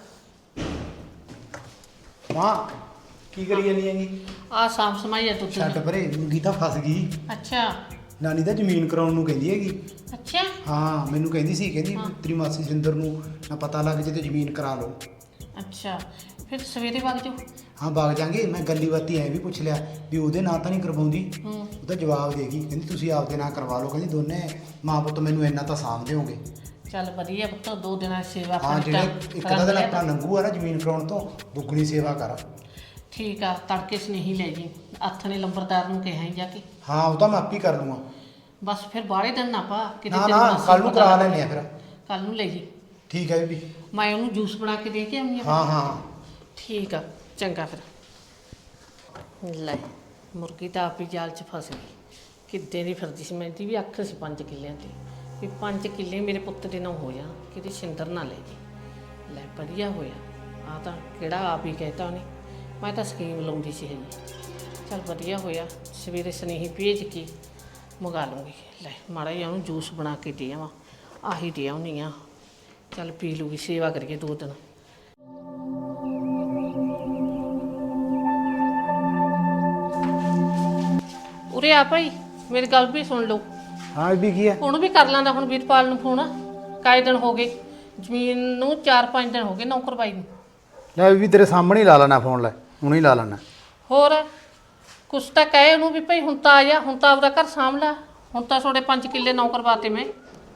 [SPEAKER 2] ਹਾਂ, ਕੀ ਕਰੀ ਜਾਨੀ ਹੈਗੀ?
[SPEAKER 1] ਆ ਸਾਂਭ ਸਮਾਈ ਆ ਤੂੰ।
[SPEAKER 2] ਛੱਡ ਪਰੇ, ਮੁੰਗੀ ਤਾਂ ਫਸ ਗਈ।
[SPEAKER 1] ਅੱਛਾ
[SPEAKER 2] ਨਾਨੀ ਤਾਂ ਜ਼ਮੀਨ ਕਰਾਉਣ ਨੂੰ ਕਹਿੰਦੀ ਹੈਗੀ।
[SPEAKER 1] ਅੱਛਾ
[SPEAKER 2] ਹਾਂ, ਮੈਨੂੰ ਕਹਿੰਦੀ ਸੀ, ਕਹਿੰਦੀ ਤੇਰੀ ਮਾਸੀ ਸਿੰਦਰ ਨੂੰ ਨਾ ਪਤਾ ਲੱਗ ਜੇ ਤੇ ਜ਼ਮੀਨ ਕਰਾ ਲਓ।
[SPEAKER 1] ਅੱਛਾ, ਫਿਰ ਸਵੇਰੇ ਵਗ ਜਾਓ।
[SPEAKER 2] ਹਾਂ ਵਗ ਜਾਾਂਗੇ। ਮੈਂ ਗੱਲੀ ਬਾਤੀ ਐ ਵੀ ਪੁੱਛ ਲਿਆ ਵੀ ਉਹਦੇ ਨਾਂ ਤਾਂ ਨਹੀਂ ਕਰਵਾਉਂਦੀ। ਉਹ ਤਾਂ ਜਵਾਬ ਦੇਗੀ, ਕਹਿੰਦੀ ਤੁਸੀਂ ਆਪਦੇ ਨਾਂ ਕਰਵਾ ਲਓ, ਕਹਿੰਦੀ ਦੋਨੇ ਮਾਂ ਪੁੱਤ ਮੈਨੂੰ ਇੰਨਾ ਤਾਂ ਸਾਂਭ ਦਿਓਗੇ।
[SPEAKER 1] ਚੱਲ ਵਧੀਆ ਪੁੱਤ 2 ਦਿਨਾਂ ਦੀ ਸੇਵਾ
[SPEAKER 2] ਹਾਂ
[SPEAKER 1] ਪਾਣੀ
[SPEAKER 2] ਜਿਹੜੇ
[SPEAKER 1] ਕਰ-
[SPEAKER 2] ਇੱਕ
[SPEAKER 1] ਕਰਾਂਗੇ।
[SPEAKER 2] ਦਾ ਦਿਨ ਆਪਣਾ ਲੰਘੂ ਆ ਨਾ ਜ਼ਮੀਨ ਫਰਾਉਣ ਤੋਂ ਦੁੱਗਣੀ ਸੇਵਾ ਕਰ।
[SPEAKER 1] ਠੀਕ ਆ, ਤੜਕੇ ਸਨੇਹੀ ਲੈ ਜੀ, ਹੱਥ ਨੇ ਲੰਬਰਦਾਰ ਨੂੰ ਕਿਹਾ ਹੀ ਜਾ ਕੇ।
[SPEAKER 2] ਹਾਂ ਉਹ ਤਾਂ ਮੈਂ ਆਪ ਹੀ ਕਰ ਲੂੰਗਾ।
[SPEAKER 1] ਬਸ ਫਿਰ ਬਾਹਲੇ ਦਿਨ ਨਾ ਪਾ ਕਿਤੇ
[SPEAKER 2] ਨਾ
[SPEAKER 1] ਤੇਰੀ
[SPEAKER 2] ਨਾ
[SPEAKER 1] ਮਾਸੀ
[SPEAKER 2] ਕੱਲ ਨੂੰ
[SPEAKER 1] ਪਤਾ
[SPEAKER 2] ਕਰਾ
[SPEAKER 1] ਲੱਗ
[SPEAKER 2] ਲੈਣੇ ਆ ਫਿਰ।
[SPEAKER 1] ਕੱਲ ਨੂੰ ਲੈ ਜੀ।
[SPEAKER 2] ਠੀਕ ਹੈ ਬੀਬੀ।
[SPEAKER 1] ਮੈਂ ਉਹਨੂੰ ਜੂਸ ਬਣਾ ਕੇ ਦੇ ਕੇ ਆਉਂਦੀ ਆ।
[SPEAKER 2] ਹਾਂ ਹਾਂ
[SPEAKER 1] ਠੀਕ ਆ, ਚੰਗਾ ਫਿਰ। ਲੈ ਮੁਰਗੀ ਤਾਂ ਆਪ ਹੀ ਜਾਲ 'ਚ ਫਸ ਗਈ। ਕਿੱਦੇ ਦੀ ਫਿਰਦੀ ਸੀ, ਮੈਂ ਦੀ ਵੀ ਅੱਖ ਸੀ 5 ਕਿੱਲਿਆਂ ਤੇ ਵੀ 5 ਕਿੱਲੇ ਮੇਰੇ ਪੁੱਤ ਦੇ ਨਾਲ ਹੋ ਜਾਣ, ਕਿਤੇ ਛਿੰਦਰ ਨਾ ਲੈ ਜੀ। ਲੈ ਵਧੀਆ ਹੋਇਆ, ਆ ਤਾਂ ਕਿਹੜਾ ਆਪ ਹੀ ਕਹਿਤਾ ਉਹਨੇ, ਮੈਂ ਤਾਂ ਸਕੀਮ ਲਾਉਂਦੀ ਸੀ ਹਜੇ। ਚੱਲ ਵਧੀਆ ਹੋਇਆ, ਸਵੇਰੇ ਸੁਨੇਹੀ ਭੇਜ ਕੇ ਮੰਗਾ ਲੂੰਗੀ। ਲੈ ਮਾੜਾ ਜਿਹਾ ਉਹਨੂੰ ਜੂਸ ਬਣਾ ਕੇ ਦੇ ਆਵਾਂ, ਆਹੀ ਦੇ ਆਉਂਦੀ ਆ। ਚੱਲ ਪੀ ਲੂਗੀ, ਸੇਵਾ ਕਰੀਏ 2 ਦਿਨ। ਉਰੇ ਆ ਭਾਈ, ਮੇਰੀ ਗੱਲ ਵੀ ਸੁਣ ਲਓ।
[SPEAKER 2] ਹਾਂ ਬੀਬੀ ਕੀ ਹੈ?
[SPEAKER 1] ਉਹਨੂੰ ਵੀ ਕਰ ਲਾਂਦਾ ਹੁਣ ਵੀਰਪਾਲ ਨੂੰ ਫੋਨ। ਕਾਏ ਦਿਨ ਹੋ ਗਏ ਜ਼ਮੀਨ ਨੂੰ, 4-5 ਦਿਨ ਹੋ ਗਏ ਨੌਕਰ ਬਾਈ ਨੂੰ।
[SPEAKER 2] ਲੈ ਬੀਬੀ ਤੇਰੇ ਸਾਹਮਣੇ ਹੀ ਲਾ ਲੈਣਾ ਫੋਨ, ਲੈ ਹੁਣੇ ਹੀ ਲਾ ਲੈਣਾ।
[SPEAKER 1] ਹੋਰ ਕੁਛ ਤਾਂ ਕਹੇ ਉਹਨੂੰ ਵੀ ਭਾਈ ਹੁਣ ਤਾਂ ਆ ਜਾ, ਹੁਣ ਤਾਂ ਆਪਦਾ ਘਰ ਸਾਂਭ ਲੈ, ਹੁਣ ਤਾਂ ਤੁਹਾਡੇ 5 ਕਿੱਲੇ ਨੌਕਰ ਬਾਤੇ ਮੈਂ।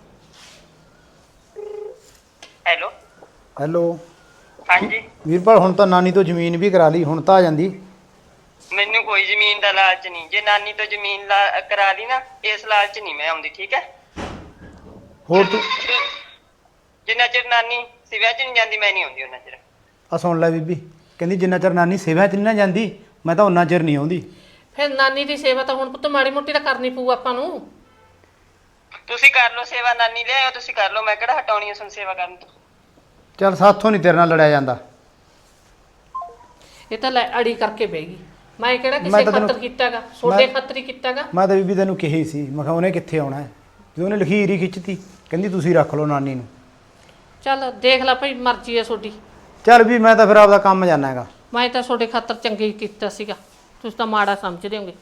[SPEAKER 6] ਹੈਲੋ
[SPEAKER 2] ਹੈਲੋ
[SPEAKER 6] ਹਾਂਜੀ।
[SPEAKER 2] ਵੀਰਪਾਲ ਹੁਣ ਤਾਂ ਨਾਨੀ ਤੋਂ ਜ਼ਮੀਨ ਵੀ ਕਰਾ ਲਈ, ਹੁਣ ਤਾਂ ਆ ਜਾਂਦੀ।
[SPEAKER 6] ਮੈਨੂੰ ਕੋਈ ਜ਼ਮੀਨ ਦਾ ਲਾਲਚ ਨਹੀਂ। ਜੇ ਨਾਨੀ ਤੋਂ ਜ਼ਮੀਨ ਕਰਾ ਲਈ ਨਾ, ਇਸ ਲਾਲਚ ਨਹੀਂ ਮੈਂ ਆਉਂਦੀ, ਠੀਕ ਹੈ?
[SPEAKER 2] ਹੋਰ ਤੂੰ
[SPEAKER 6] ਜਿੰਨਾ ਚਿਰ ਨਾਨੀ ਸਿਵਿਆਂ 'ਚ ਨਹੀਂ ਜਾਂਦੀ ਮੈਂ ਨਹੀਂ ਆਉਂਦੀ ਉਹਨਾਂ ਚਿਰ।
[SPEAKER 2] ਆ ਸੁਣ ਲੈ ਬੀਬੀ, ਕਹਿੰਦੀ ਜਿੰਨਾ ਚਿਰ ਨਾਨੀ ਸੇਵਾ 'ਚ ਨਹੀਂ ਨਾ ਜਾਂਦੀ ਮੈਂ ਤਾਂ ਉਹਨਾਂ ਚਿਰ ਨਹੀਂ ਆਉਂਦੀ।
[SPEAKER 1] ਫਿਰ ਨਾਨੀ ਦੀ ਸੇਵਾ ਤਾਂ ਹੁਣ ਪੁੱਤ ਮਾੜੀ ਮੋਟੀ ਤਾਂ ਕਰਨੀ ਪਊ ਆਪਾਂ ਨੂੰ।
[SPEAKER 6] ਤੁਸੀਂ ਕਰ ਲਓ ਸੇਵਾ, ਨਾਨੀ ਲਿਆਇਓ ਤੁਸੀਂ ਕਰ ਲਓ, ਮੈਂ ਕਿਹੜਾ ਹਟਾਉਣੀ ਹੈ ਤੁਹਾਨੂੰ ਸੇਵਾ ਕਰਨ ਤੋਂ।
[SPEAKER 2] ਚੱਲ ਸਾਥੋਂ ਨਹੀਂ ਤੇਰੇ ਨਾਲ ਲੜਿਆ ਜਾਂਦਾ।
[SPEAKER 1] ਇਹ ਤਾਂ ਲੈ ਅੜੀ ਕਰਕੇ ਬਹਿ ਗਈ। ਮੈਂ ਕਿਹੜਾ
[SPEAKER 2] ਮੈਂ
[SPEAKER 1] ਕਿਸੇ
[SPEAKER 2] ਤਾਂ ਤੈਨੂੰ-
[SPEAKER 1] ਖਾਤਰ ਕੀਤਾਗਾ, ਤੁਹਾਡੇ
[SPEAKER 2] ਮੈਂ-
[SPEAKER 1] ਖਾਤਰ ਹੀ ਕੀਤਾਗਾ।
[SPEAKER 2] ਮੈਂ ਤਾਂ ਬੀਬੀ ਤੈਨੂੰ ਕਿਹਾ ਹੀ ਸੀ, ਮੈਂ ਕਿਹਾ ਉਹਨੇ ਕਿੱਥੇ ਆਉਣਾ ਹੈ, ਜਦੋਂ ਉਹਨੇ ਲਖੀਰ ਹੀ ਖਿੱਚਤੀ ਕਹਿੰਦੀ ਤੁਸੀਂ ਰੱਖ ਲਓ ਨਾਨੀ ਨੂੰ।
[SPEAKER 1] ਚੱਲ ਦੇਖ ਲੈ ਭਾਈ, ਮਰਜ਼ੀ ਹੈ ਤੁਹਾਡੀ।
[SPEAKER 2] ਚੱਲ ਵੀ ਮੈਂ ਤਾਂ ਫਿਰ ਆਪਦਾ ਕੰਮ ਜਾਣਾ ਹੈਗਾ।
[SPEAKER 1] ਮੈਂ ਤਾਂ ਤੁਹਾਡੇ ਖਾਤਰ ਚੰਗੇ ਹੀ ਕੀਤਾ ਸੀਗਾ, ਤੁਸੀਂ ਤਾਂ ਮਾੜਾ ਸਮਝਦੇ ਹੋਗੇ।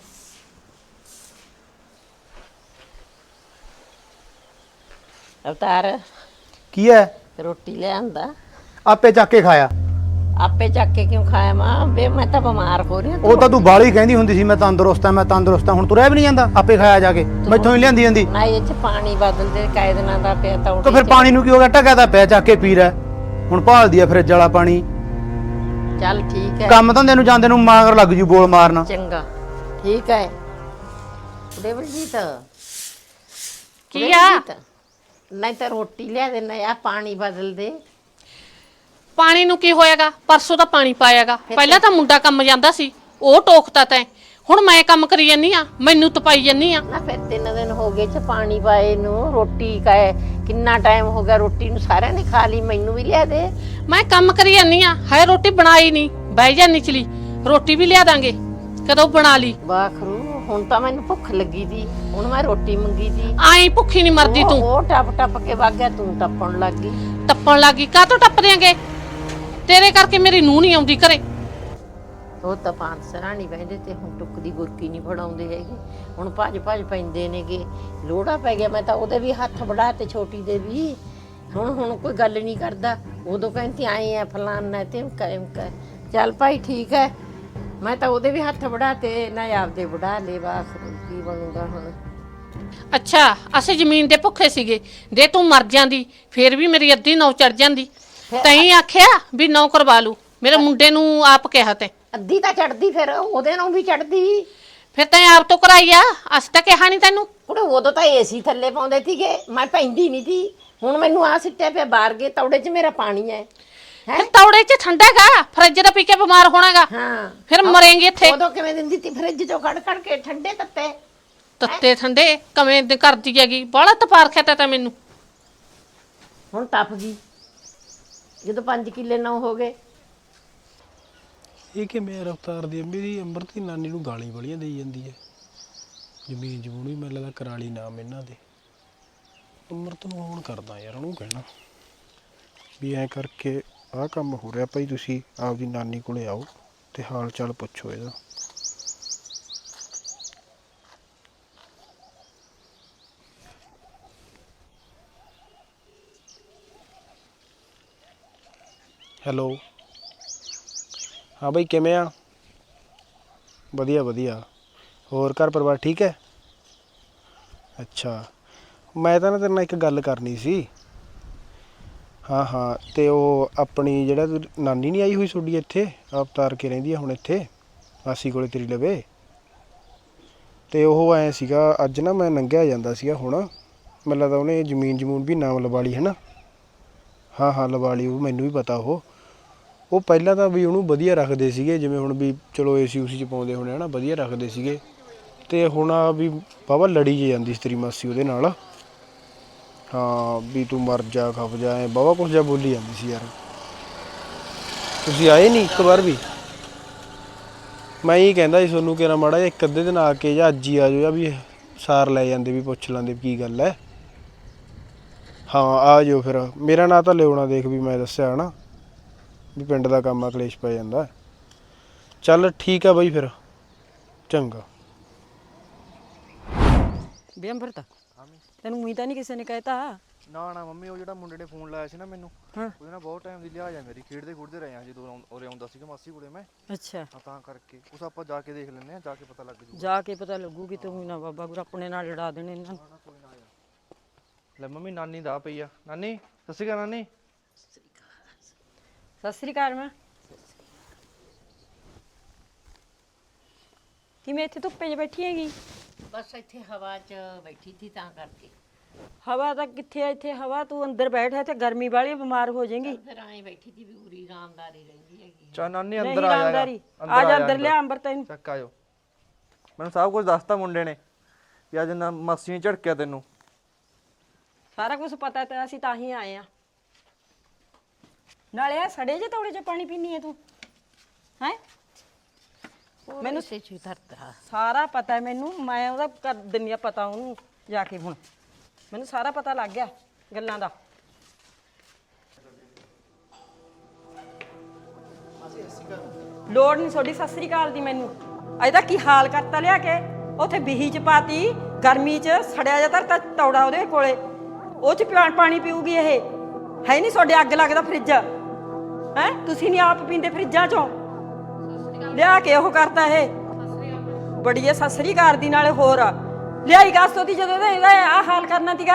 [SPEAKER 4] ਅਵਤਾਰ
[SPEAKER 2] ਕੀ ਹੈ?
[SPEAKER 4] ਰੋਟੀ ਲਿਆਂਦਾ,
[SPEAKER 2] ਆਪੇ ਚੱਕ ਕੇ ਖਾਇਆ।
[SPEAKER 4] ਆਪੇ ਚੱਕ ਕੇ ਕਿਉਂ ਖਾਇਆ ਮਾਂ? ਵੇ ਮੈਂ ਤਾਂ ਬਿਮਾਰ ਹੋ ਰਹੀ ਹਾਂ।
[SPEAKER 2] ਉਹ ਤਾਂ ਤੂੰ ਬਾਲੀ ਕਹਿੰਦੀ ਹੁੰਦੀ ਸੀ ਮੈਂ ਤੰਦਰੁਸਤ ਆ, ਮੈਂ ਤੰਦਰੁਸਤ ਆ, ਹੁਣ ਤੁਰਿਆ ਵੀ ਨਹੀਂ ਜਾਂਦਾ, ਆਪੇ ਖਾਇਆ ਜਾ ਕੇ, ਮੈਥੋਂ ਹੀ ਲਿਆਂਦੀ ਜਾਂਦੀ।
[SPEAKER 4] ਨਾ ਇਹ ਚ ਪਾਣੀ ਬਦਲ ਦੇ, ਕਾਇਦ ਦਿਨਾਂ ਦਾ ਪਿਆ ਤਾਂ
[SPEAKER 2] ਤਾਂ ਫਿਰ ਪਾਣੀ ਨੂੰ ਕੀ ਹੋ ਗਿਆ, ਢੱਕਿਆ ਤਾਂ ਪਿਆ, ਚੱਕ ਕੇ ਪੀ ਲੈ। ਹੁਣ ਭਾਲਦੀ ਆ ਫਰਿੱਜ ਵਾਲਾ ਪਾਣੀ।
[SPEAKER 4] ਚੱਲ ਠੀਕ ਹੈ,
[SPEAKER 2] ਕੰਮ ਧੰਦੇ ਨੂੰ ਜਾਂਦੇ ਨੂੰ ਮਾਂਗਰ ਲੱਗ ਜੂ ਬੋਲ ਮਾਰਨਾ।
[SPEAKER 4] ਚੰਗਾ ਠੀਕ ਹੈ। ਦੇਵਰਜੀਤ
[SPEAKER 1] ਕੀ ਆ?
[SPEAKER 4] ਨਹੀਂ ਤਾਂ ਰੋਟੀ ਲਿਆ ਦੇ, ਨਾ ਆ ਪਾਣੀ ਬਦਲ ਦੇ।
[SPEAKER 1] ਪਾਣੀ ਨੂੰ ਕੀ ਹੋਏਗਾ, ਪਰਸੋਂ ਤਾਂ ਪਾਣੀ ਪਾਇਆਗਾ। ਪਹਿਲਾਂ ਤਾਂ ਮੁੰਡਾ ਕੰਮ ਜਾਂਦਾ ਸੀ, ਉਹ ਟੋਕਤਾ ਤੈਂ, ਹੁਣ ਮੈਂ ਕੰਮ ਕਰੀ ਜਾਨੀ ਆ, ਮੈਨੂੰ ਤਪਾਈ ਜਾਨੀ ਆ।
[SPEAKER 4] ਨਾ ਫਿਰ 3 ਦਿਨ ਹੋ ਗਏ ਚ ਪਾਣੀ ਪਾਏ ਨੂੰ, ਰੋਟੀ ਕਾਏ ਕਿੰਨਾ ਟਾਈਮ ਹੋ ਗਿਆ, ਰੋਟੀ ਨੂੰ ਸਾਰਿਆਂ ਨੇ ਖਾ ਲਈ, ਮੈਨੂੰ ਵੀ ਲਿਆ ਦੇ।
[SPEAKER 1] ਮੈਂ ਕੰਮ ਕਰੀ ਜਾਨੀ ਆ, ਹਾਏ ਰੋਟੀ ਬਣਾਈ ਨਹੀਂ, ਬਹਿ ਜਾ ਨਿਚਲੀ, ਰੋਟੀ ਵੀ ਲਿਆ ਦਾਂਗੇ, ਕਦੋਂ ਬਣਾ ਲਈ।
[SPEAKER 4] ਬਾਖਰੂ ਹੁਣ ਤਾਂ ਮੈਨੂੰ ਭੁੱਖ ਲੱਗੀ ਸੀ, ਹੁਣ ਮੈਂ ਰੋਟੀ ਮੰਗੀ ਸੀ।
[SPEAKER 1] ਆਈ ਭੁੱਖੀ ਨਹੀਂ ਮਰਦੀ ਤੂੰ।
[SPEAKER 4] ਉਹ ਟੱਪ ਟੱਪ ਕੇ ਵਗ ਗਿਆ, ਤੂੰ ਟੱਪਣ ਲੱਗ ਗਈ।
[SPEAKER 1] ਟੱਪਣ ਲੱਗੀ, ਕਾਹਤੋਂ ਟੱਪ ਦਿਆਂਗੇ? ਤੇਰੇ ਕਰਕੇ ਮੇਰੀ ਨੂੰਹ ਨਹੀਂ ਆਉਂਦੀ ਘਰੇ।
[SPEAKER 4] ਉਹ ਤਾਂ ਪੰਜ ਸਰਾਣੀ ਬਹਿੰਦੇ ਤੇ ਹੁਣ ਟੁੱਕ ਦੀ ਗੁਰਕੀ ਨਹੀਂ ਫੜਾਉਂਦੇ ਹੈਗੇ, ਹੁਣ ਭੱਜ ਭੱਜ ਪੈਂਦੇ ਨੇਗੇ। ਲੋੜਾ ਪੈ ਗਿਆ, ਮੈਂ ਤਾਂ ਉਹਦੇ ਵੀ ਹੱਥ ਵੜਾ ਤੇ ਛੋਟੀ ਦੇ ਵੀ। ਹੁਣ ਕੋਈ ਗੱਲ ਨਹੀਂ ਕਰਦਾ, ਉਦੋਂ ਕਹਿੰਦੀ ਆਏ ਆ ਫਲਾਨਾ ਤੇ ਚੱਲ ਭਾਈ ਠੀਕ ਹੈ। ਮੈਂ ਤਾਂ ਉਹਦੇ ਵੀ ਹੱਥ ਵੜਾ ਤੇ ਨਾ ਆਪਦੇ ਵੜਾ ਲੈ, ਬਸ ਕੀ ਬਣੂਗਾ ਹੁਣ।
[SPEAKER 1] ਅੱਛਾ ਅਸੀਂ ਜ਼ਮੀਨ ਦੇ ਭੁੱਖੇ ਸੀਗੇ, ਜੇ ਤੂੰ ਮਰ ਜਾਂਦੀ ਫੇਰ ਵੀ ਮੇਰੀ ਅੱਧੀ ਨੌ ਚੜ ਜਾਂਦੀ। ਤੈਂ ਆਖਿਆ ਵੀ ਨੌ ਕਰਵਾ ਲੂ, ਮੇਰੇ ਮੁੰਡੇ ਨੂੰ ਆਪ ਕਿਹਾ ਤੈਂ।
[SPEAKER 4] ਅੱਧੀ ਤਾਂ ਚੜਦੀ, ਫਿਰ ਉਹਦੇ ਨੂੰ ਵੀ ਚੜਦੀ।
[SPEAKER 1] ਫਿਰ ਤੈਂ ਆਪ ਤੋਂ ਕਰਾਈ ਆ, ਅਸੀਂ ਤਾਂ ਕਿਹਾ ਨਹੀਂ ਤੈਨੂੰ।
[SPEAKER 4] ਕੁੜੇ ਉਦੋਂ ਤਾਂ ਏਸੀ ਥੱਲੇ ਪਾਉਂਦੇ ਸੀਗੇ, ਮੈਂ ਪੈਂਦੀ ਨਹੀਂ ਸੀ। ਹੁਣ ਮੈਨੂੰ ਆ ਸਿੱਟਿਆ ਪਿਆ ਬਾਹਰ ਗਏ ਤੌੜੇ 'ਚ ਮੇਰਾ ਪਾਣੀ ਹੈ।
[SPEAKER 1] ਫਿਰ ਤੌੜੇ 'ਚ ਠੰਡਾ ਹੈਗਾ, ਫਰਿੱਜ ਦਾ ਪੀ ਕੇ ਬਿਮਾਰ ਹੋਣਾਗਾ।
[SPEAKER 4] ਹਾਂ
[SPEAKER 1] ਫਿਰ ਮਰੇਂਗੇ ਇੱਥੇ।
[SPEAKER 4] ਉਦੋਂ ਕਿਵੇਂ ਦਿੰਦੀ ਤੀ ਫਰਿੱਜ 'ਚੋਂ ਕੱਢ ਕੱਢ ਕੇ ਠੰਡੇ ਤੱਤੇ।
[SPEAKER 1] ਤੱਤੇ ਠੰਡੇ ਕਵੇਂ ਦੇ ਕਰਦੀ ਹੈਗੀ, ਬਾਹਲਾ ਤਪਾਰ ਖਿਆ ਤਾਂ ਮੈਨੂੰ।
[SPEAKER 4] ਹੁਣ ਟੱਪ ਗਈ ਜਦੋਂ 5 ਕਿੱਲੇ ਨਾ ਹੋ ਗਏ।
[SPEAKER 7] ਇਹ ਕਿ ਮੈਂ ਰਫਤਾਰ ਦੀ ਮੇਰੀ ਅੰਮ੍ਰਿਤ ਦੀ ਨਾਨੀ ਨੂੰ ਗਾਲੀ ਵਾਲੀਆਂ ਦੇਈ ਜਾਂਦੀ ਹੈ। ਜ਼ਮੀਨ ਜਮੂਨ ਵੀ ਮੈਨੂੰ ਲੱਗਦਾ ਕਰਾਲੀ ਨਾਮ ਇਹਨਾਂ ਦੇ। ਅੰਮ੍ਰਿਤ ਨੂੰ ਹੁਣ ਕਰਦਾ ਯਾਰ, ਉਹਨੂੰ ਕਹਿਣਾ ਵੀ ਐਂ ਕਰਕੇ ਆਹ ਕੰਮ ਹੋ ਰਿਹਾ ਭਾਈ, ਤੁਸੀਂ ਆਪਦੀ ਨਾਨੀ ਕੋਲੇ ਆਓ ਤੇ ਹਾਲ ਚਾਲ ਪੁੱਛੋ ਇਹਦਾ। ਹੈਲੋ ਹਾਂ ਬਈ, ਕਿਵੇਂ ਆ? ਵਧੀਆ ਵਧੀਆ, ਹੋਰ ਘਰ ਪਰਿਵਾਰ ਠੀਕ ਹੈ? ਅੱਛਾ, ਮੈਂ ਤਾਂ ਨਾ ਤੇਰੇ ਨਾਲ ਇੱਕ ਗੱਲ ਕਰਨੀ ਸੀ। ਹਾਂ ਹਾਂ, ਤੇ ਉਹ ਆਪਣੀ ਜਿਹੜਾ ਨਾਨੀ ਨਹੀਂ ਆਈ ਹੋਈ ਤੁਹਾਡੀ ਇੱਥੇ, ਅਵਤਾਰ ਕੇ ਰਹਿੰਦੀ ਆ ਹੁਣ ਇੱਥੇ ਮਾਸੀ ਕੋਲੇ ਤੇਰੀ ਲਵੇ, ਤੇ ਉਹ ਐ ਸੀਗਾ ਅੱਜ ਨਾ ਮੈਂ ਲੰਘਿਆ ਜਾਂਦਾ ਸੀਗਾ ਹੁਣ, ਮੈਨੂੰ ਲੱਗਦਾ ਉਹਨੇ ਜ਼ਮੀਨ ਵੀ ਨਾਮ ਲਵਾ ਲਈ ਹੈ ਨਾ। ਹਾਂ ਹਾਂ ਲਵਾ ਲਈ, ਉਹ ਮੈਨੂੰ ਵੀ ਪਤਾ। ਉਹ ਪਹਿਲਾਂ ਤਾਂ ਵੀ ਉਹਨੂੰ ਵਧੀਆ ਰੱਖਦੇ ਸੀਗੇ, ਜਿਵੇਂ ਹੁਣ ਵੀ ਚਲੋ ਏਸੀ ਉਸੀ 'ਚ ਪਾਉਂਦੇ ਹੋਣੇ ਹੈ ਨਾ, ਵਧੀਆ ਰੱਖਦੇ ਸੀਗੇ, ਤੇ ਹੁਣ ਆ ਵੀ ਵਾਹਵਾ ਲੜੀ ਜੇ ਜਾਂਦੀ ਸੀ ਤੇਰੀ ਮਾਸੀ ਉਹਦੇ ਨਾਲ। ਹਾਂ ਵੀ ਤੂੰ ਮਰ ਜਾ ਖਪ ਜਾ, ਐ ਵਾਹਵਾ ਕੁਛ ਜਿਹਾ ਬੋਲੀ ਜਾਂਦੀ ਸੀ ਯਾਰ। ਤੁਸੀਂ ਆਏ ਨਹੀਂ ਇੱਕ ਵਾਰ ਵੀ? ਮੈਂ ਇਹ ਕਹਿੰਦਾ ਸੀ ਤੁਹਾਨੂੰ ਕਿ ਨਾ ਮਾੜਾ ਜਿਹਾ ਇੱਕ ਅੱਧੇ ਦਿਨ ਆ ਕੇ ਜਾਂ ਅੱਜ ਹੀ ਆ ਜਾਓ, ਜਾਂ ਵੀ ਸਾਰ ਲੈ ਜਾਂਦੇ, ਵੀ ਪੁੱਛ ਲੈਂਦੇ ਕੀ ਗੱਲ ਹੈ। ਹਾਂ ਆ ਜਾਓ ਫਿਰ, ਮੇਰਾ ਨਾਂ ਤਾਂ ਲਿਆਉਣਾ, ਦੇਖ ਵੀ ਮੈਂ ਦੱਸਿਆ ਨਾ ਵੀ ਪਿੰਡ ਦਾ ਕੰਮ ਆ, ਕਲੇਸ਼ ਪੈ ਜਾਂਦਾ। ਚੱਲ ਠੀਕ ਆ ਬਾਈ ਫਿਰ, ਚੰਗਾ।
[SPEAKER 3] ਬੇ ਅੰਮ੍ਰਿਤ ਤੈਨੂੰ ਉਹੀ ਤਾਂ ਨਹੀਂ ਕਿਸੇ ਨੇ ਕਹਿਤਾ?
[SPEAKER 5] ਨਾ ਨਾ ਮੰਮੀ, ਉਹ ਜਿਹੜਾ ਮੁੰਡੇ ਨੇ ਫੋਨ ਲਾਇਆ ਸੀ ਨਾ ਮੈਨੂੰ, ਉਹਦੇ ਨਾਲ ਬਹੁਤ ਟਾਈਮ ਦੀ ਲਿਹਾਜ਼ ਆ ਮੇਰੀ, ਖੇਡਦੇ ਰਹੇ ਆ ਜਦੋਂ ਉਰੇ ਆਉਂਦਾ ਸੀਗਾ ਮਾਸੀ ਕੋਲੇ ਮੈਂ।
[SPEAKER 3] ਅੱਛਾ,
[SPEAKER 5] ਤਾਂ ਕਰਕੇ ਉਸ ਆਪਾਂ ਜਾ ਕੇ ਦੇਖ ਲੈਂਦੇ ਆ, ਜਾ ਕੇ ਪਤਾ ਲੱਗ ਜੂਗਾ।
[SPEAKER 3] ਜਾ ਕੇ ਪਤਾ ਲੱਗੂਗੀ, ਤੂੰ ਨਾ ਬਾਬਾ ਗੁਰੂ ਆਪਣੇ ਨਾਲ ਲੜਾ ਦੇਣੇ ਇਹਨਾਂ ਨੂੰ।
[SPEAKER 5] ਲੈ ਮੰਮੀ, ਨਾਨੀ ਦਾ ਪਈ ਆ। ਨਾਨੀ ਸਤਿ ਸ਼੍ਰੀ ਅਕਾਲ। ਨਾਨੀ
[SPEAKER 3] ਸਤਿ ਸ੍ਰੀ ਅਕਾਲ। ਮੈਂ ਕਿਵੇਂ ਇੱਥੇ ਧੁੱਪੇ 'ਚ ਬੈਠੀ ਹੈਗੀ?
[SPEAKER 4] ਬਸ ਇੱਥੇ ਹਵਾ 'ਚ ਬੈਠੀ ਸੀ ਤਾਂ ਕਰਕੇ।
[SPEAKER 3] ਹਵਾ ਤਾਂ ਕਿੱਥੇ ਆ ਇੱਥੇ ਹਵਾ, ਤੂੰ ਅੰਦਰ ਬੈਠ, ਇੱਥੇ ਗਰਮੀ ਵਾਲੀ, ਬਿਮਾਰ ਹੋ ਜਾਏਗੀ।
[SPEAKER 4] ਫਿਰ ਐਂ ਬੈਠੀ ਸੀ ਵੀ ਉਰੀ ਆਰਾਮਦਾਰੀ ਰਹਿੰਦੀ ਹੈਗੀ।
[SPEAKER 5] ਚਾ ਨਾਨੀ
[SPEAKER 3] ਨਹੀਂ
[SPEAKER 5] ਅੰਦਰ ਆ ਜਾ,
[SPEAKER 3] ਆਰਾਮਦਾਰੀ, ਆ ਜਾ ਅੰਦਰ, ਲਿਆ ਅੰਬਰ ਤੈਨੂੰ।
[SPEAKER 5] ਚੱਕ ਆਜੋ। ਮੈਨੂੰ ਸਭ ਕੁਝ ਦੱਸਤਾ ਮੁੰਡੇ ਨੇ ਵੀ ਅੱਜ ਨਾ ਮਾਸੀ ਨੇ ਝੜਕਿਆ ਤੈਨੂੰ।
[SPEAKER 3] ਸਾਰਾ ਕੁਝ ਪਤਾ ਤੇ ਅਸੀਂ ਤਾਂ ਹੀ ਆਏ ਆ। ਨਾਲੇ ਆ ਸੜੇ ਜੇ ਤੌੜੇ 'ਚ ਪਾਣੀ ਪੀਣੀ ਹੈ ਤੂੰ, ਹੈ? ਮੈਨੂੰ
[SPEAKER 4] ਸੇ ਚੀ ਧਰਤਾ
[SPEAKER 3] ਸਾਰਾ ਪਤਾ ਹੈ ਮੈਨੂੰ, ਮੈਂ ਉਹਦਾ ਕਰ ਦਿੰਦੀ ਆ ਪਤਾ ਉਹਨੂੰ ਜਾ ਕੇ। ਹੁਣ ਮੈਨੂੰ ਸਾਰਾ ਪਤਾ ਲੱਗ ਗਿਆ ਗੱਲਾਂ ਦਾ। ਲੋੜ ਨਹੀਂ ਤੁਹਾਡੀ ਸਤਿ ਸ੍ਰੀ ਅਕਾਲ ਦੀ ਮੈਨੂੰ। ਇਹਦਾ ਕੀ ਹਾਲ ਕਰਤਾ ਲਿਆ ਕੇ, ਉੱਥੇ ਬਿਹੀ 'ਚ ਪਾਤੀ, ਗਰਮੀ 'ਚ ਸੜਿਆ ਜਾ ਧਰਤਾ ਤੌੜਾ ਉਹਦੇ ਕੋਲੇ, ਉਹ 'ਚ ਪਾਣੀ ਪੀਊਗੀ ਇਹ? ਹੈ ਨਹੀਂ ਤੁਹਾਡੇ ਅੱਗ ਲੱਗਦਾ ਫਰਿੱਜ? ਹੈ ਤੁਸੀਂ ਨਹੀਂ ਆਪ ਪੀਂਦੇ ਫਰਿੱਜਾਂ 'ਚੋਂ? ਲਿਆ ਕੇ ਉਹ ਕਰਤਾ ਇਹ ਬੜੀ ਐ ਸਤਿ ਸ੍ਰੀ ਅਕਾਲ ਦੀ। ਨਾਲੇ ਹੋਰ ਲਿਆਈ ਗਾਸਤੋ ਦੀ, ਜਦੋਂ ਇਹਦਾ ਆਹ ਹਾਲ ਕਰਨਾ ਸੀਗਾ।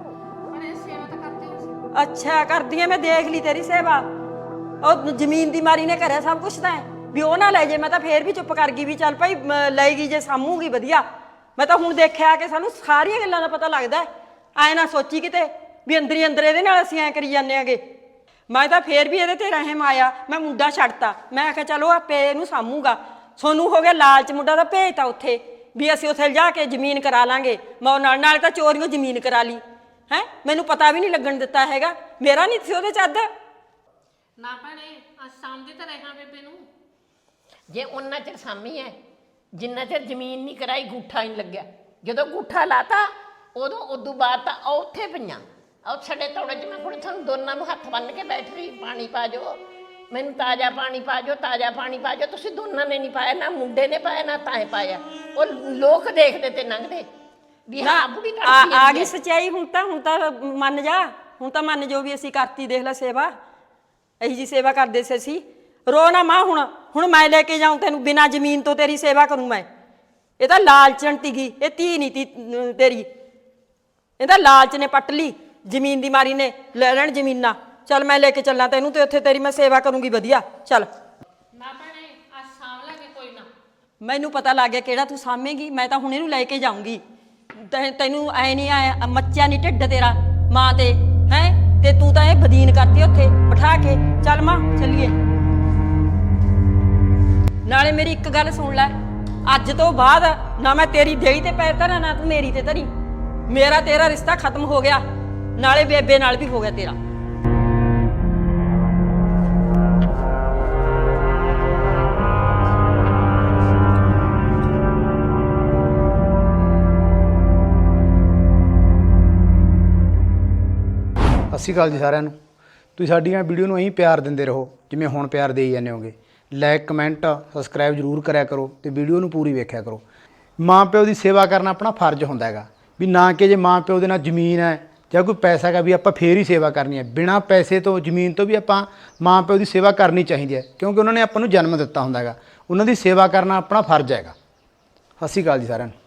[SPEAKER 3] ਅੱਛਾ ਕਰਦੀ ਐ, ਮੈਂ ਦੇਖ ਲਈ ਤੇਰੀ ਸੇਵਾ। ਉਹ ਜ਼ਮੀਨ ਦੀ ਮਾਰੀ ਨੇ ਕਰਿਆ ਸਭ ਕੁਛ ਤਾਂ ਵੀ ਉਹ ਨਾ ਲੈ ਜੇ। ਮੈਂ ਤਾਂ ਫੇਰ ਵੀ ਚੁੱਪ ਕਰ ਗਈ ਵੀ ਚੱਲ ਭਾਈ ਲਏਗੀ ਜੇ ਸਾਂਭੂਗੀ ਵਧੀਆ। ਮੈਂ ਤਾਂ ਹੁਣ ਦੇਖਿਆ ਕਿ ਸਾਨੂੰ ਸਾਰੀਆਂ ਗੱਲਾਂ ਦਾ ਪਤਾ ਲੱਗਦਾ। ਐ ਨਾ ਸੋਚੀ ਕਿਤੇ ਵੀ ਅੰਦਰ ਹੀ ਅੰਦਰ ਇਹਦੇ ਨਾਲ ਅਸੀਂ ਐਂ ਕਰੀ ਜਾਂਦੇ ਆਂਗੇ। ਮੈਂ ਤਾਂ ਫੇਰ ਵੀ ਇਹਦੇ ਤੇ ਰਹਿਮ ਆਇਆ, ਮੈਂ ਮੁੰਡਾ ਛੱਡਤਾ। ਮੈਂ ਆਖਿਆ ਚਲੋ ਆਪੇ ਇਹਨੂੰ ਸਾਂਭੂਗਾ। ਸੋਨੂੰ ਹੋ ਗਿਆ ਲਾਲਚ, ਮੁੰਡਾ ਦਾ ਭੇਜਤਾ ਉੱਥੇ ਵੀ ਅਸੀਂ ਉੱਥੇ ਜਾ ਕੇ ਜ਼ਮੀਨ ਕਰਾ ਲਾਂਗੇ। ਮੈਂ ਨਾਲੇ ਤਾਂ ਚੋਰੀਓ ਜ਼ਮੀਨ ਕਰਾ ਲਈ ਹੈ, ਮੈਨੂੰ ਪਤਾ ਵੀ ਨਹੀਂ ਲੱਗਣ ਦਿੱਤਾ ਹੈਗਾ। ਮੇਰਾ ਨਹੀਂ ਸੀ ਉਹਦੇ 'ਚ ਅੱਧ।
[SPEAKER 1] ਨਾ ਭੈਣੇ ਅੱਜ ਸਾਂਭਦੀ ਤਾਂ ਰਹਿਣਾ ਬੇਬੇ ਨੂੰ।
[SPEAKER 4] ਜੇ ਉਹਨਾਂ ਚਿਰ ਸਾਮੀ ਹੈ ਜਿੰਨਾ ਚਿਰ ਜ਼ਮੀਨ ਨਹੀਂ ਕਰਾਈ, ਗੂਠਾ ਨਹੀਂ ਲੱਗਿਆ। ਜਦੋਂ ਗੂਠਾ ਲਾਤਾ ਉਦੋਂ ਬਾਅਦ ਤਾਂ ਉਹ ਉੱਥੇ ਪਈਆਂ, ਉਹ ਛੱਡੇ ਤੌੜੇ 'ਚ। ਮੈਂ ਹੁਣ ਤੁਹਾਨੂੰ ਦੋਨਾਂ ਨੂੰ ਹੱਥ ਬੰਨ੍ਹ ਕੇ ਬੈਠ ਰਹੀ, ਪਾਣੀ ਪਾ ਜਾਓ ਮੈਨੂੰ, ਤਾਜ਼ਾ ਪਾਣੀ ਪਾ ਜਾਓ, ਤਾਜ਼ਾ ਪਾਣੀ ਪਾ ਜਾਓ। ਤੁਸੀਂ ਦੋਨਾਂ ਨੇ ਨਹੀਂ ਪਾਇਆ, ਨਾ ਮੁੰਡੇ ਨੇ ਪਾਇਆ ਨਾ ਤਾਂ ਪਾਇਆ। ਉਹ ਲੋਕ ਦੇਖਦੇ ਤੇ ਲੰਘਦੇ ਵੀ ਹਾਂ ਬੁੜੀ
[SPEAKER 3] ਆ ਗਈ ਸੱਚਾਈ। ਹੁਣ ਤਾਂ ਮੰਨ ਜਾ, ਹੁਣ ਤਾਂ ਮੰਨ ਜੋ ਵੀ ਅਸੀਂ ਕਰਤੀ। ਦੇਖ ਲੈ ਸੇਵਾ, ਇਹੀ ਜੀ ਸੇਵਾ ਕਰਦੇ ਸੀ ਅਸੀਂ। ਰੋ ਨਾ ਮਾਂ, ਹੁਣ ਮੈਂ ਲੈ ਕੇ ਜਾਊਂ ਤੈਨੂੰ ਬਿਨਾਂ ਜ਼ਮੀਨ ਤੋਂ, ਤੇਰੀ ਸੇਵਾ ਕਰੂੰ ਮੈਂ। ਇਹ ਤਾਂ ਲਾਲਚਣ ਤੀਗੀ, ਇਹ ਧੀ ਨਹੀਂ ਤੀ ਤੇਰੀ। ਇਹਦਾ ਲਾਲਚ ਨੇ ਪੱਟ ਲਈ, ਜ਼ਮੀਨ ਦੀ ਮਾਰੀ ਨੇ ਲੈ ਲੈਣ ਜ਼ਮੀਨਾਂ। ਚੱਲ ਮੈਂ ਲੈ ਕੇ ਚੱਲਾਂ ਤੈਨੂੰ, ਤੇ ਉੱਥੇ ਤੇਰੀ ਮੈਂ ਸੇਵਾ ਕਰੂੰਗੀ ਵਧੀਆ। ਚੱਲ
[SPEAKER 1] ਨਾ ਭੈਣੇ ਅੱਜ ਸਾਂਭ ਲਾਂਗੇ ਕੋਈ ਨਾ।
[SPEAKER 3] ਮੈਨੂੰ ਪਤਾ ਲੱਗ ਗਿਆ ਕਿਹੜਾ ਤੂੰ ਸਾਂਭੇਂਗੀ। ਮੈਂ ਤਾਂ ਹੁਣ ਇਹਨੂੰ ਲੈ ਕੇ ਜਾਊਂਗੀ। ਤੈਨੂੰ ਐ ਨਹੀਂ ਆਇਆ, ਮੱਚਿਆ ਨਹੀਂ ਢਿੱਡ ਤੇਰਾ ਮਾਂ ਤੇ ਹੈ, ਤੇ ਤੂੰ ਤਾਂ ਇਹ ਬਦੀਨ ਕਰਤੀ ਉੱਥੇ ਬਿਠਾ ਕੇ। ਚੱਲ ਮਾਂ ਚੱਲੀਏ। ਨਾਲੇ ਮੇਰੀ ਇੱਕ ਗੱਲ ਸੁਣ ਲੈ, ਅੱਜ ਤੋਂ ਬਾਅਦ ਨਾ ਮੈਂ ਤੇਰੀ ਦੇਈ ਤੇ ਪੈਰ ਧਰਾਂ, ਨਾ ਤੂੰ ਮੇਰੀ ਤੇ ਧਰੀ। ਮੇਰਾ ਤੇਰਾ ਰਿਸ਼ਤਾ ਖਤਮ ਹੋ ਗਿਆ, ਨਾਲੇ ਬੇਬੇ ਨਾਲ ਵੀ ਹੋ ਗਿਆ ਤੇਰਾ।
[SPEAKER 2] ਸਤਿ ਸ਼੍ਰੀ ਅਕਾਲ ਜੀ ਸਾਰਿਆਂ ਨੂੰ। ਤੁਸੀਂ ਸਾਡੀਆਂ ਵੀਡੀਓ ਨੂੰ ਇਹੀ ਪਿਆਰ ਦਿੰਦੇ ਰਹੋ ਜਿਵੇਂ ਹੁਣ ਪਿਆਰ ਦੇਈ ਜਾਂਦੇ ਹੋਗੇ। ਲਾਈਕ ਕਮੈਂਟ ਸਬਸਕ੍ਰਾਈਬ ਜ਼ਰੂਰ ਕਰਿਆ ਕਰੋ ਤੇ ਵੀਡੀਓ ਨੂੰ ਪੂਰੀ ਵੇਖਿਆ ਕਰੋ। ਮਾਂ ਪਿਓ ਦੀ ਸੇਵਾ ਕਰਨਾ ਆਪਣਾ ਫਰਜ਼ ਹੁੰਦਾ ਹੈਗਾ, ਵੀ ਨਾ ਕਿ ਜੇ ਮਾਂ ਪਿਓ ਦੇ ਨਾਲ ਜ਼ਮੀਨ ਹੈ ਜਾਂ ਕੋਈ ਪੈਸਾ ਹੈਗਾ ਵੀ ਆਪਾਂ ਫੇਰ ਹੀ ਸੇਵਾ ਕਰਨੀ ਹੈ। ਬਿਨਾਂ ਪੈਸੇ ਤੋਂ ਜ਼ਮੀਨ ਤੋਂ ਵੀ ਆਪਾਂ ਮਾਂ ਪਿਓ ਦੀ ਸੇਵਾ ਕਰਨੀ ਚਾਹੀਦੀ ਹੈ, ਕਿਉਂਕਿ ਉਹਨਾਂ ਨੇ ਆਪਾਂ ਨੂੰ ਜਨਮ ਦਿੱਤਾ ਹੁੰਦਾ ਹੈਗਾ। ਉਹਨਾਂ ਦੀ ਸੇਵਾ ਕਰਨਾ ਆਪਣਾ ਫਰਜ਼ ਹੈਗਾ। ਸਤਿ ਸ਼੍ਰੀ ਅਕਾਲ ਜੀ ਸਾਰਿਆਂ ਨੂੰ।